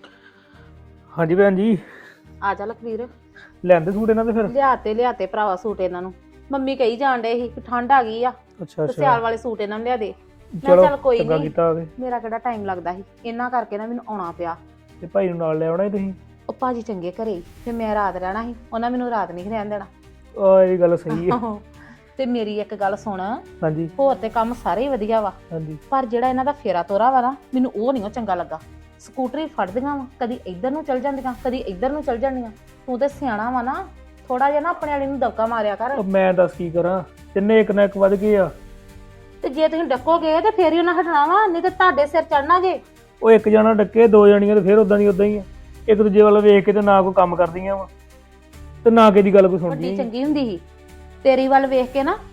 S5: ਹਾਂਜੀ ਭੈਣ ਜੀ,
S4: ਆ ਜਾ ਲਖਵੀਰ,
S5: ਲੈਂਦੇ ਸੂਟ ਇਹਨਾਂ ਦੇ ਫਿਰ?
S4: ਲਿਆਤੇ ਲਿਆਤੇ ਭਰਾਵਾ ਸੂਟ ਇਹਨਾਂ ਨੂੰ। ਮੰਮੀ ਕਹੀ ਜਾਣ ਡੇ ਸੀ ਕਿ ਠੰਡ ਆ ਗਈ ਆ
S5: ਅੱਛਾ
S4: ਤੇ ਸਿਆਲ
S5: ਅੱਛਾ,
S4: ਵਾਲੇ ਸੂਟ ਇਹਨਾਂ ਨੂੰ ਲਿਆ ਦੇ। ਮੈਂ
S5: ਚਲੋ
S4: ਚੱਲ ਕੋਈ
S5: ਚੰਗਾ
S4: ਨਹੀਂ,
S5: ਕੀਤਾ ਆ ਕੇ।
S4: ਮੇਰਾ ਕਿਹੜਾ ਟਾਈਮ ਲੱਗਦਾ ਸੀ, ਇਹਨਾਂ ਕਰਕੇ ਨਾ ਮੈਨੂੰ ਆਉਣਾ ਪਿਆ।
S5: ਤੇ ਭਾਈ ਨੂੰ ਨਾਲ ਲੈ ਆਉਣਾ ਸੀ ਤੁਸੀਂ?
S4: ਉਹ ਭਾਜੀ ਚੰਗੇ ਘਰੇ ਸੀ, ਤੇ ਮੈਂ ਰਾਤ ਰਹਿਣਾ ਸੀ, ਉਹਨਾਂ ਮੈਨੂੰ ਰਾਤ ਨਹੀਂ ਰਹਿਣ ਦੇਣਾ।
S5: ਆ ਇਹ ਗੱਲ ਸਹੀ ਹੈ।
S4: ਤੇ ਮੇਰੀ ਇੱਕ ਗੱਲ ਸੁਣ,
S5: ਹਾਂਜੀ
S4: ਹੋਰ ਤੇ ਕੰਮ ਸਾਰੇ ਹੀ ਵਧੀਆ ਵਾ,
S5: ਹਾਂਜੀ,
S4: ਪਰ ਜਿਹੜਾ ਇਹਨਾਂ ਦਾ ਫੇਰਾ ਤੋਰਾ ਵਾ ਨਾ, ਮੈਨੂੰ ਉਹ ਨਹੀਂ ਉਹ ਚੰਗਾ ਲੱਗਾ। ਸਕੂਟਰੀ ਫੜਦੀਆਂ ਵਾ, ਕਦੀ ਇੱਧਰ ਨੂੰ ਚਲ ਜਾਂਦੀਆਂ, ਕਦੀ ਇੱਧਰ ਨੂੰ ਚਲ ਜਾਂਦੀਆਂ। ਤੂੰ ਤੇ ਸਿਆਣਾ ਵਾ ਨਾ, ਥੋੜਾ ਜਿਹਾ ਨਾ ਆਪਣੇ ਵਾਲੀ ਨੂੰ ਦਬਕਾ ਮਾਰਿਆ ਕਰ।
S5: ਉਹ ਮੈਂ ਦੱਸ ਕੀ ਕਰਾਂ, ਤਿੰਨੇ ਇੱਕ ਨਾ ਇੱਕ ਵੱਧ ਗਏ ਆ।
S4: ਤੇ ਜੇ ਤੁਸੀਂ ਡੱਕੋਗੇ ਤੇ ਫੇਰ ਹੀ ਉਹਨਾਂ ਹਟਣਾ ਵਾ, ਨਹੀਂ ਤੇ ਤੁਹਾਡੇ ਸਿਰ ਚੜਨਾ ਜੇ।
S5: ਉਹ ਇੱਕ ਜਣਾ ਡੱਕੇ, ਦੋ ਜਣੀਆਂ ਤੇ ਫਿਰ ਉਦਾਂ ਦੀ ਉਦਾਂ ਹੀ ਆ। ਇੱਕ ਦੂਜੇ ਵੱਲ ਵੇਖ ਕੇ ਤੇ ਨਾ ਕੋਈ ਕੰਮ ਕਰਦੀਆਂ ਵਾ ਤੇ ਨਾ ਕਿਸੇ ਦੀ ਗੱਲ ਕੋਈ
S4: ਵੱਡੀ
S5: ਸੁਣਦੀ।
S4: ਚੰਗੀ ਹੁੰਦੀ ਸੀ, ਤੇਰੀ ਵੱਲ ਵੇਖ ਕੇ ਨਾ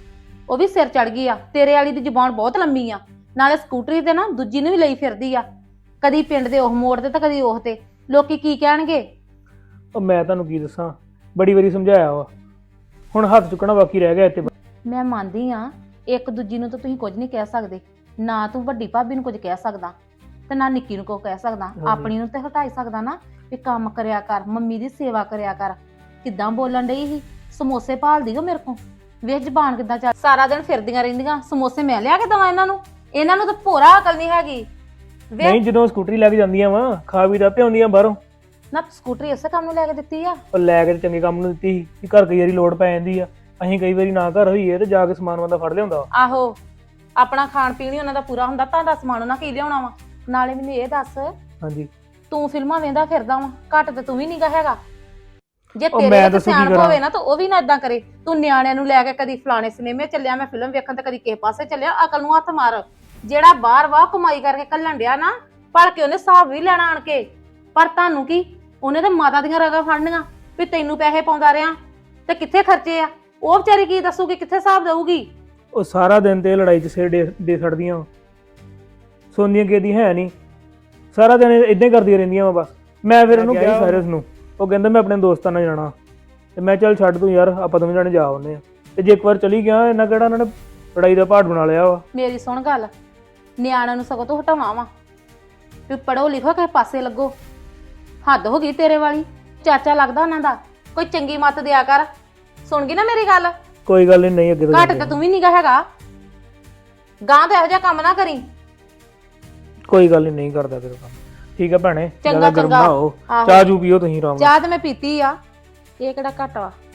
S4: ਉਹ ਵੀ ਸਿਰ ਚੜ ਗਈ ਆ। ਤੇਰੇ ਵਾਲੀ ਦੀ ਜ਼ੁਬਾਨ ਬਹੁਤ ਲੰਮੀ ਆ, ਨਾਲੇ ਸਕੂਟਰੀ ਤੇ ਨਾ ਦੂਜੀ ਨੂੰ ਵੀ ਲਈ ਫਿਰਦੀ ਆ, ਕਦੀ ਪਿੰਡ ਦੇ ਉਹ ਮੋੜ ਤੇ ਤਾਂ ਕਦੀ ਉਹ ਤੇ। ਲੋਕੀ ਕੀ ਕਹਿਣਗੇ?
S5: ਉਹ ਮੈਂ ਤੁਹਾਨੂੰ ਕੀ ਦੱਸਾਂ, ਬੜੀ ਵਾਰੀ ਸਮਝਾਇਆ ਵਾ, ਹੁਣ ਹੱਥ ਚੁੱਕਣਾ ਬਾਕੀ ਰਹਿ ਗਿਆ ਇੱਥੇ।
S4: ਮੈਂ ਮੰਨਦੀ ਆ ਇੱਕ ਦੂਜੀ ਨੂੰ ਤਾਂ ਤੁਸੀਂ ਕੁਝ ਨਹੀਂ ਕਹਿ ਸਕਦੇ, ਨਾ ਤੂੰ ਵੱਡੀ ਭਾਬੀ ਨੂੰ ਕੁਝ ਕਹਿ ਸਕਦਾ ਤੇ ਨਾ ਨਿੱਕੀ ਨੂੰ ਕੁਝ ਕਹਿ ਸਕਦਾ। ਆਪਣੀ ਨੂੰ ਤੇ ਹਟਾਈ ਸਕਦਾ ਨਾ ਵੀ ਕੰਮ ਕਰਿਆ ਕਰ, ਮੰਮੀ ਦੀ ਸੇਵਾ ਕਰਿਆ ਕਰ। ਕਿੱਦਾਂ ਬੋਲਣ ਡਈ ਸੀ, ਸਮੋਸੇ ਭਾਲਦੀ ਓ ਮੇਰੇ ਕੋਲ। ਵੇਖ ਜ਼ਬਾਨ ਕਿੱਦਾਂ ਚੱਲ, ਸਾਰਾ ਦਿਨ ਫਿਰਦੀਆਂ ਰਹਿੰਦੀਆਂ। ਸਮੋਸੇ ਮੈਂ ਲਿਆ ਕੇ ਦਵਾਂ ਇਹਨਾਂ ਨੂੰ? ਇਹਨਾਂ ਨੂੰ ਤਾਂ ਭੋਰਾ ਅਕਲ ਨਹੀਂ ਹੈਗੀ।
S5: ਨਹੀਂ, ਜਦੋਂ ਸਕੂਟਰੀ ਲੈ ਕੇ ਜਾਂਦੀਆਂ ਵਾ ਖਾ ਵੀ ਤਾਂ ਪਿਆਉਂਦੀਆਂ ਬਾਹਰੋਂ।
S4: ਨਾ ਸਕੂਟਰੀ ਇਸੇ ਕੰਮ ਨੂੰ ਲੈ ਕੇ ਦਿੱਤੀ ਆ?
S5: ਉਹ ਲੈ ਕੇ ਤੇ ਚੰਗੇ ਕੰਮ ਨੂੰ ਦਿੱਤੀ ਸੀ ਕਿ ਘਰ ਕਈ ਵਾਰੀ ਲੋੜ ਪੈ ਜਾਂਦੀ ਆ, ਅਸੀਂ ਕਈ ਵਾਰੀ ਨਾ ਘਰ ਹੋਈਏ ਤੇ ਜਾ ਕੇ ਸਮਾਨ ਬੰਦਾ ਫੜ ਲਿਆਉਂਦਾ ਵਾ।
S4: ਆਹੋ, ਆਪਣਾ ਖਾਣ ਪੀਣ ਹੀ ਉਹਨਾਂ ਦਾ ਪੂਰਾ ਹੁੰਦਾ, ਤਾਂ ਦਾ ਸਮਾਨ ਉਹਨਾਂ ਕੀ ਲਿਆਉਣਾ ਵਾ। ਨਾਲੇ ਮੈਨੂੰ ਇਹ ਦੱਸ,
S5: ਹਾਂਜੀ
S4: ਤੂੰ ਫਿਲਮਾਂ ਵੇਂਦਾ ਫਿਰਦਾ ਵਾ, ਘੱਟ ਤੇ ਤੂੰ ਵੀ ਨੀਗਾ ਹੈਗਾ। ਜੇ
S5: ਉਹ
S4: ਤੇਰੇ
S5: ਮੈਂ
S4: ਵਿੱਚ
S5: ਦੱਸੋ ਕੀ
S4: ਸਿਆਣਪ
S5: ਕਰਾਂ?
S4: ਹੋਵੇ ਨਾ ਤਾਂ ਉਹ ਵੀ ਨਾ ਇਦਾਂ ਕਰੇ। ਤੂੰ ਨਿਆਣਿਆਂ ਨੂੰ ਲੈ ਕੇ ਕਦੀ ਫਲਾਣੇ ਸਿਨੇਮੇ ਚੱਲਿਆ, ਮੈਂ ਫਿਲਮ ਵੇਖਣ, ਤੇ ਕਦੀ ਕਿਸੇ ਪਾਸੇ ਚੱਲਿਆ। ਅਕਲ ਨੂੰ ਹੱਥ ਮਾਰ। ਜਿਹੜਾ ਬਾਹਰ ਵਾਹ ਕਮਾਈ ਕਰਕੇ ਕੱਲਣ ਡਿਆ ਨਾ, ਭਲ ਕੇ ਉਹਨੇ ਹਿਸਾਬ ਵੀ ਲੈਣਾ ਆਣ ਕੇ। ਪਰ ਤੁਹਾਨੂੰ ਕੀ, ਉਹਨੇ ਤਾਂ ਮਾਤਾ ਦੀਆਂ ਰਗਾਂ ਫੜਨੀਆਂ ਵੀ ਤੈਨੂੰ ਪੈਸੇ ਪਾਉਂਦਾ ਰਿਹਾ ਤੇ ਕਿੱਥੇ ਖਰਚੇ ਆ। ਉਹ ਵਿਚਾਰੀ ਕੀ ਦੱਸੂਗੀ, ਕਿੱਥੇ ਹਿਸਾਬ ਦੇਊਗੀ?
S5: ਉਹ ਸਾਰਾ ਦਿਨ ਤੇ ਲੜਾਈ 'ਚ ਸਿਰ ਦੇ ਦੇ ਛੱਡਦੀਆਂ ਵਾ। ਸੋਨੀਆ ਕਿਹਦੀ ਹੈ ਨਹੀਂ, ਸਾਰਾ ਦਿਨ ਇਦਾਂ ਹੀ ਕਰਦੀਆਂ ਰਹਿੰਦੀਆਂ ਵਾ ਬਸ। ਮੈਂ ਫਿਰ ਉਹਨੂੰ ਕਿਹਾ ਸਾਇਰਸ ਨੂੰ, ਉਹ ਕਹਿੰਦਾ ਮੈਂ ਆਪਣੇ ਦੋਸਤਾਂ ਨਾਲ ਜਾਣਾ, ਤੇ ਮੈਂ ਚੱਲ ਛੱਡ ਤੂੰ ਯਾਰ, ਆਪਾਂ ਦੋਵੇਂ ਜਾਣੇ ਜਾ ਆਉਂਦੇ ਆ। ਤੇ ਜੇ ਇੱਕ ਵਾਰ ਚਲੀ ਗਿਆ, ਇਹਨਾਂ ਕਿਹੜਾ ਇਹਨਾਂ ਨੇ ਲੜਾਈ ਦਾ ਪਹਾੜ ਬਣਾ ਲਿਆ ਵਾ।
S4: ਮੇਰੀ ਸੁਣ ਗੱਲ, ਨਿਆਣਿਆਂ ਨੂੰ ਸਗੋਂ ਤੋਂ ਹਟਾਵਾਂ ਵਾ ਵੀ ਪੜੋ ਲਿਖੋ, ਕਿਸੇ ਪਾਸੇ ਲੱਗੋ। ਹੱਦ ਹੋ ਗਈ ਤੇਰੇ ਵਾਲੀ। ਚਾਚਾ ਲੱਗਦਾ ਉਹਨਾਂ ਦਾ, ਕੋਈ ਚੰਗੀ ਮੱਤ ਦਿਆ ਕਰ। ਸੁਣ ਗਈ ਨਾ ਮੇਰੀ ਗੱਲ?
S5: ਕੋਈ ਗੱਲ ਨਹੀਂ, ਨਹੀਂ ਅੱਗੇ ਤੋਂ
S4: ਘੱਟ
S5: ਜਾਂਦੇ
S4: ਤੇ
S5: ਆ।
S4: ਤੂੰ ਵੀ ਨੀਗਾ ਹੈਗਾ। ਗਾਂ ਤੇ ਇਹੋ ਜਿਹਾ ਕੰਮ ਨਾ ਕਰੀ।
S5: ਕੋਈ ਗੱਲ ਨਹੀਂ, ਨਹੀਂ ਕਰਦਾ ਫਿਰ ਕੰਮ। ਠੀਕ ਆ ਭੈਣੇ,
S4: ਚੰਗਾ
S5: ਜ਼ਿਆਦਾ ਗਰਮ
S4: ਚੰਗਾ।
S5: ਨਾ ਹੋ।
S4: ਆਹੋ।
S5: ਚਾਹ ਜੂ ਪੀਓ ਤੁਸੀਂ ਆਰਾਮ ਨਾਲ।
S4: ਚਾਹ ਤੇ ਮੈਂ ਪੀਤੀ ਆ, ਇਹ ਕਿਹੜਾ ਘੱਟ ਵਾ।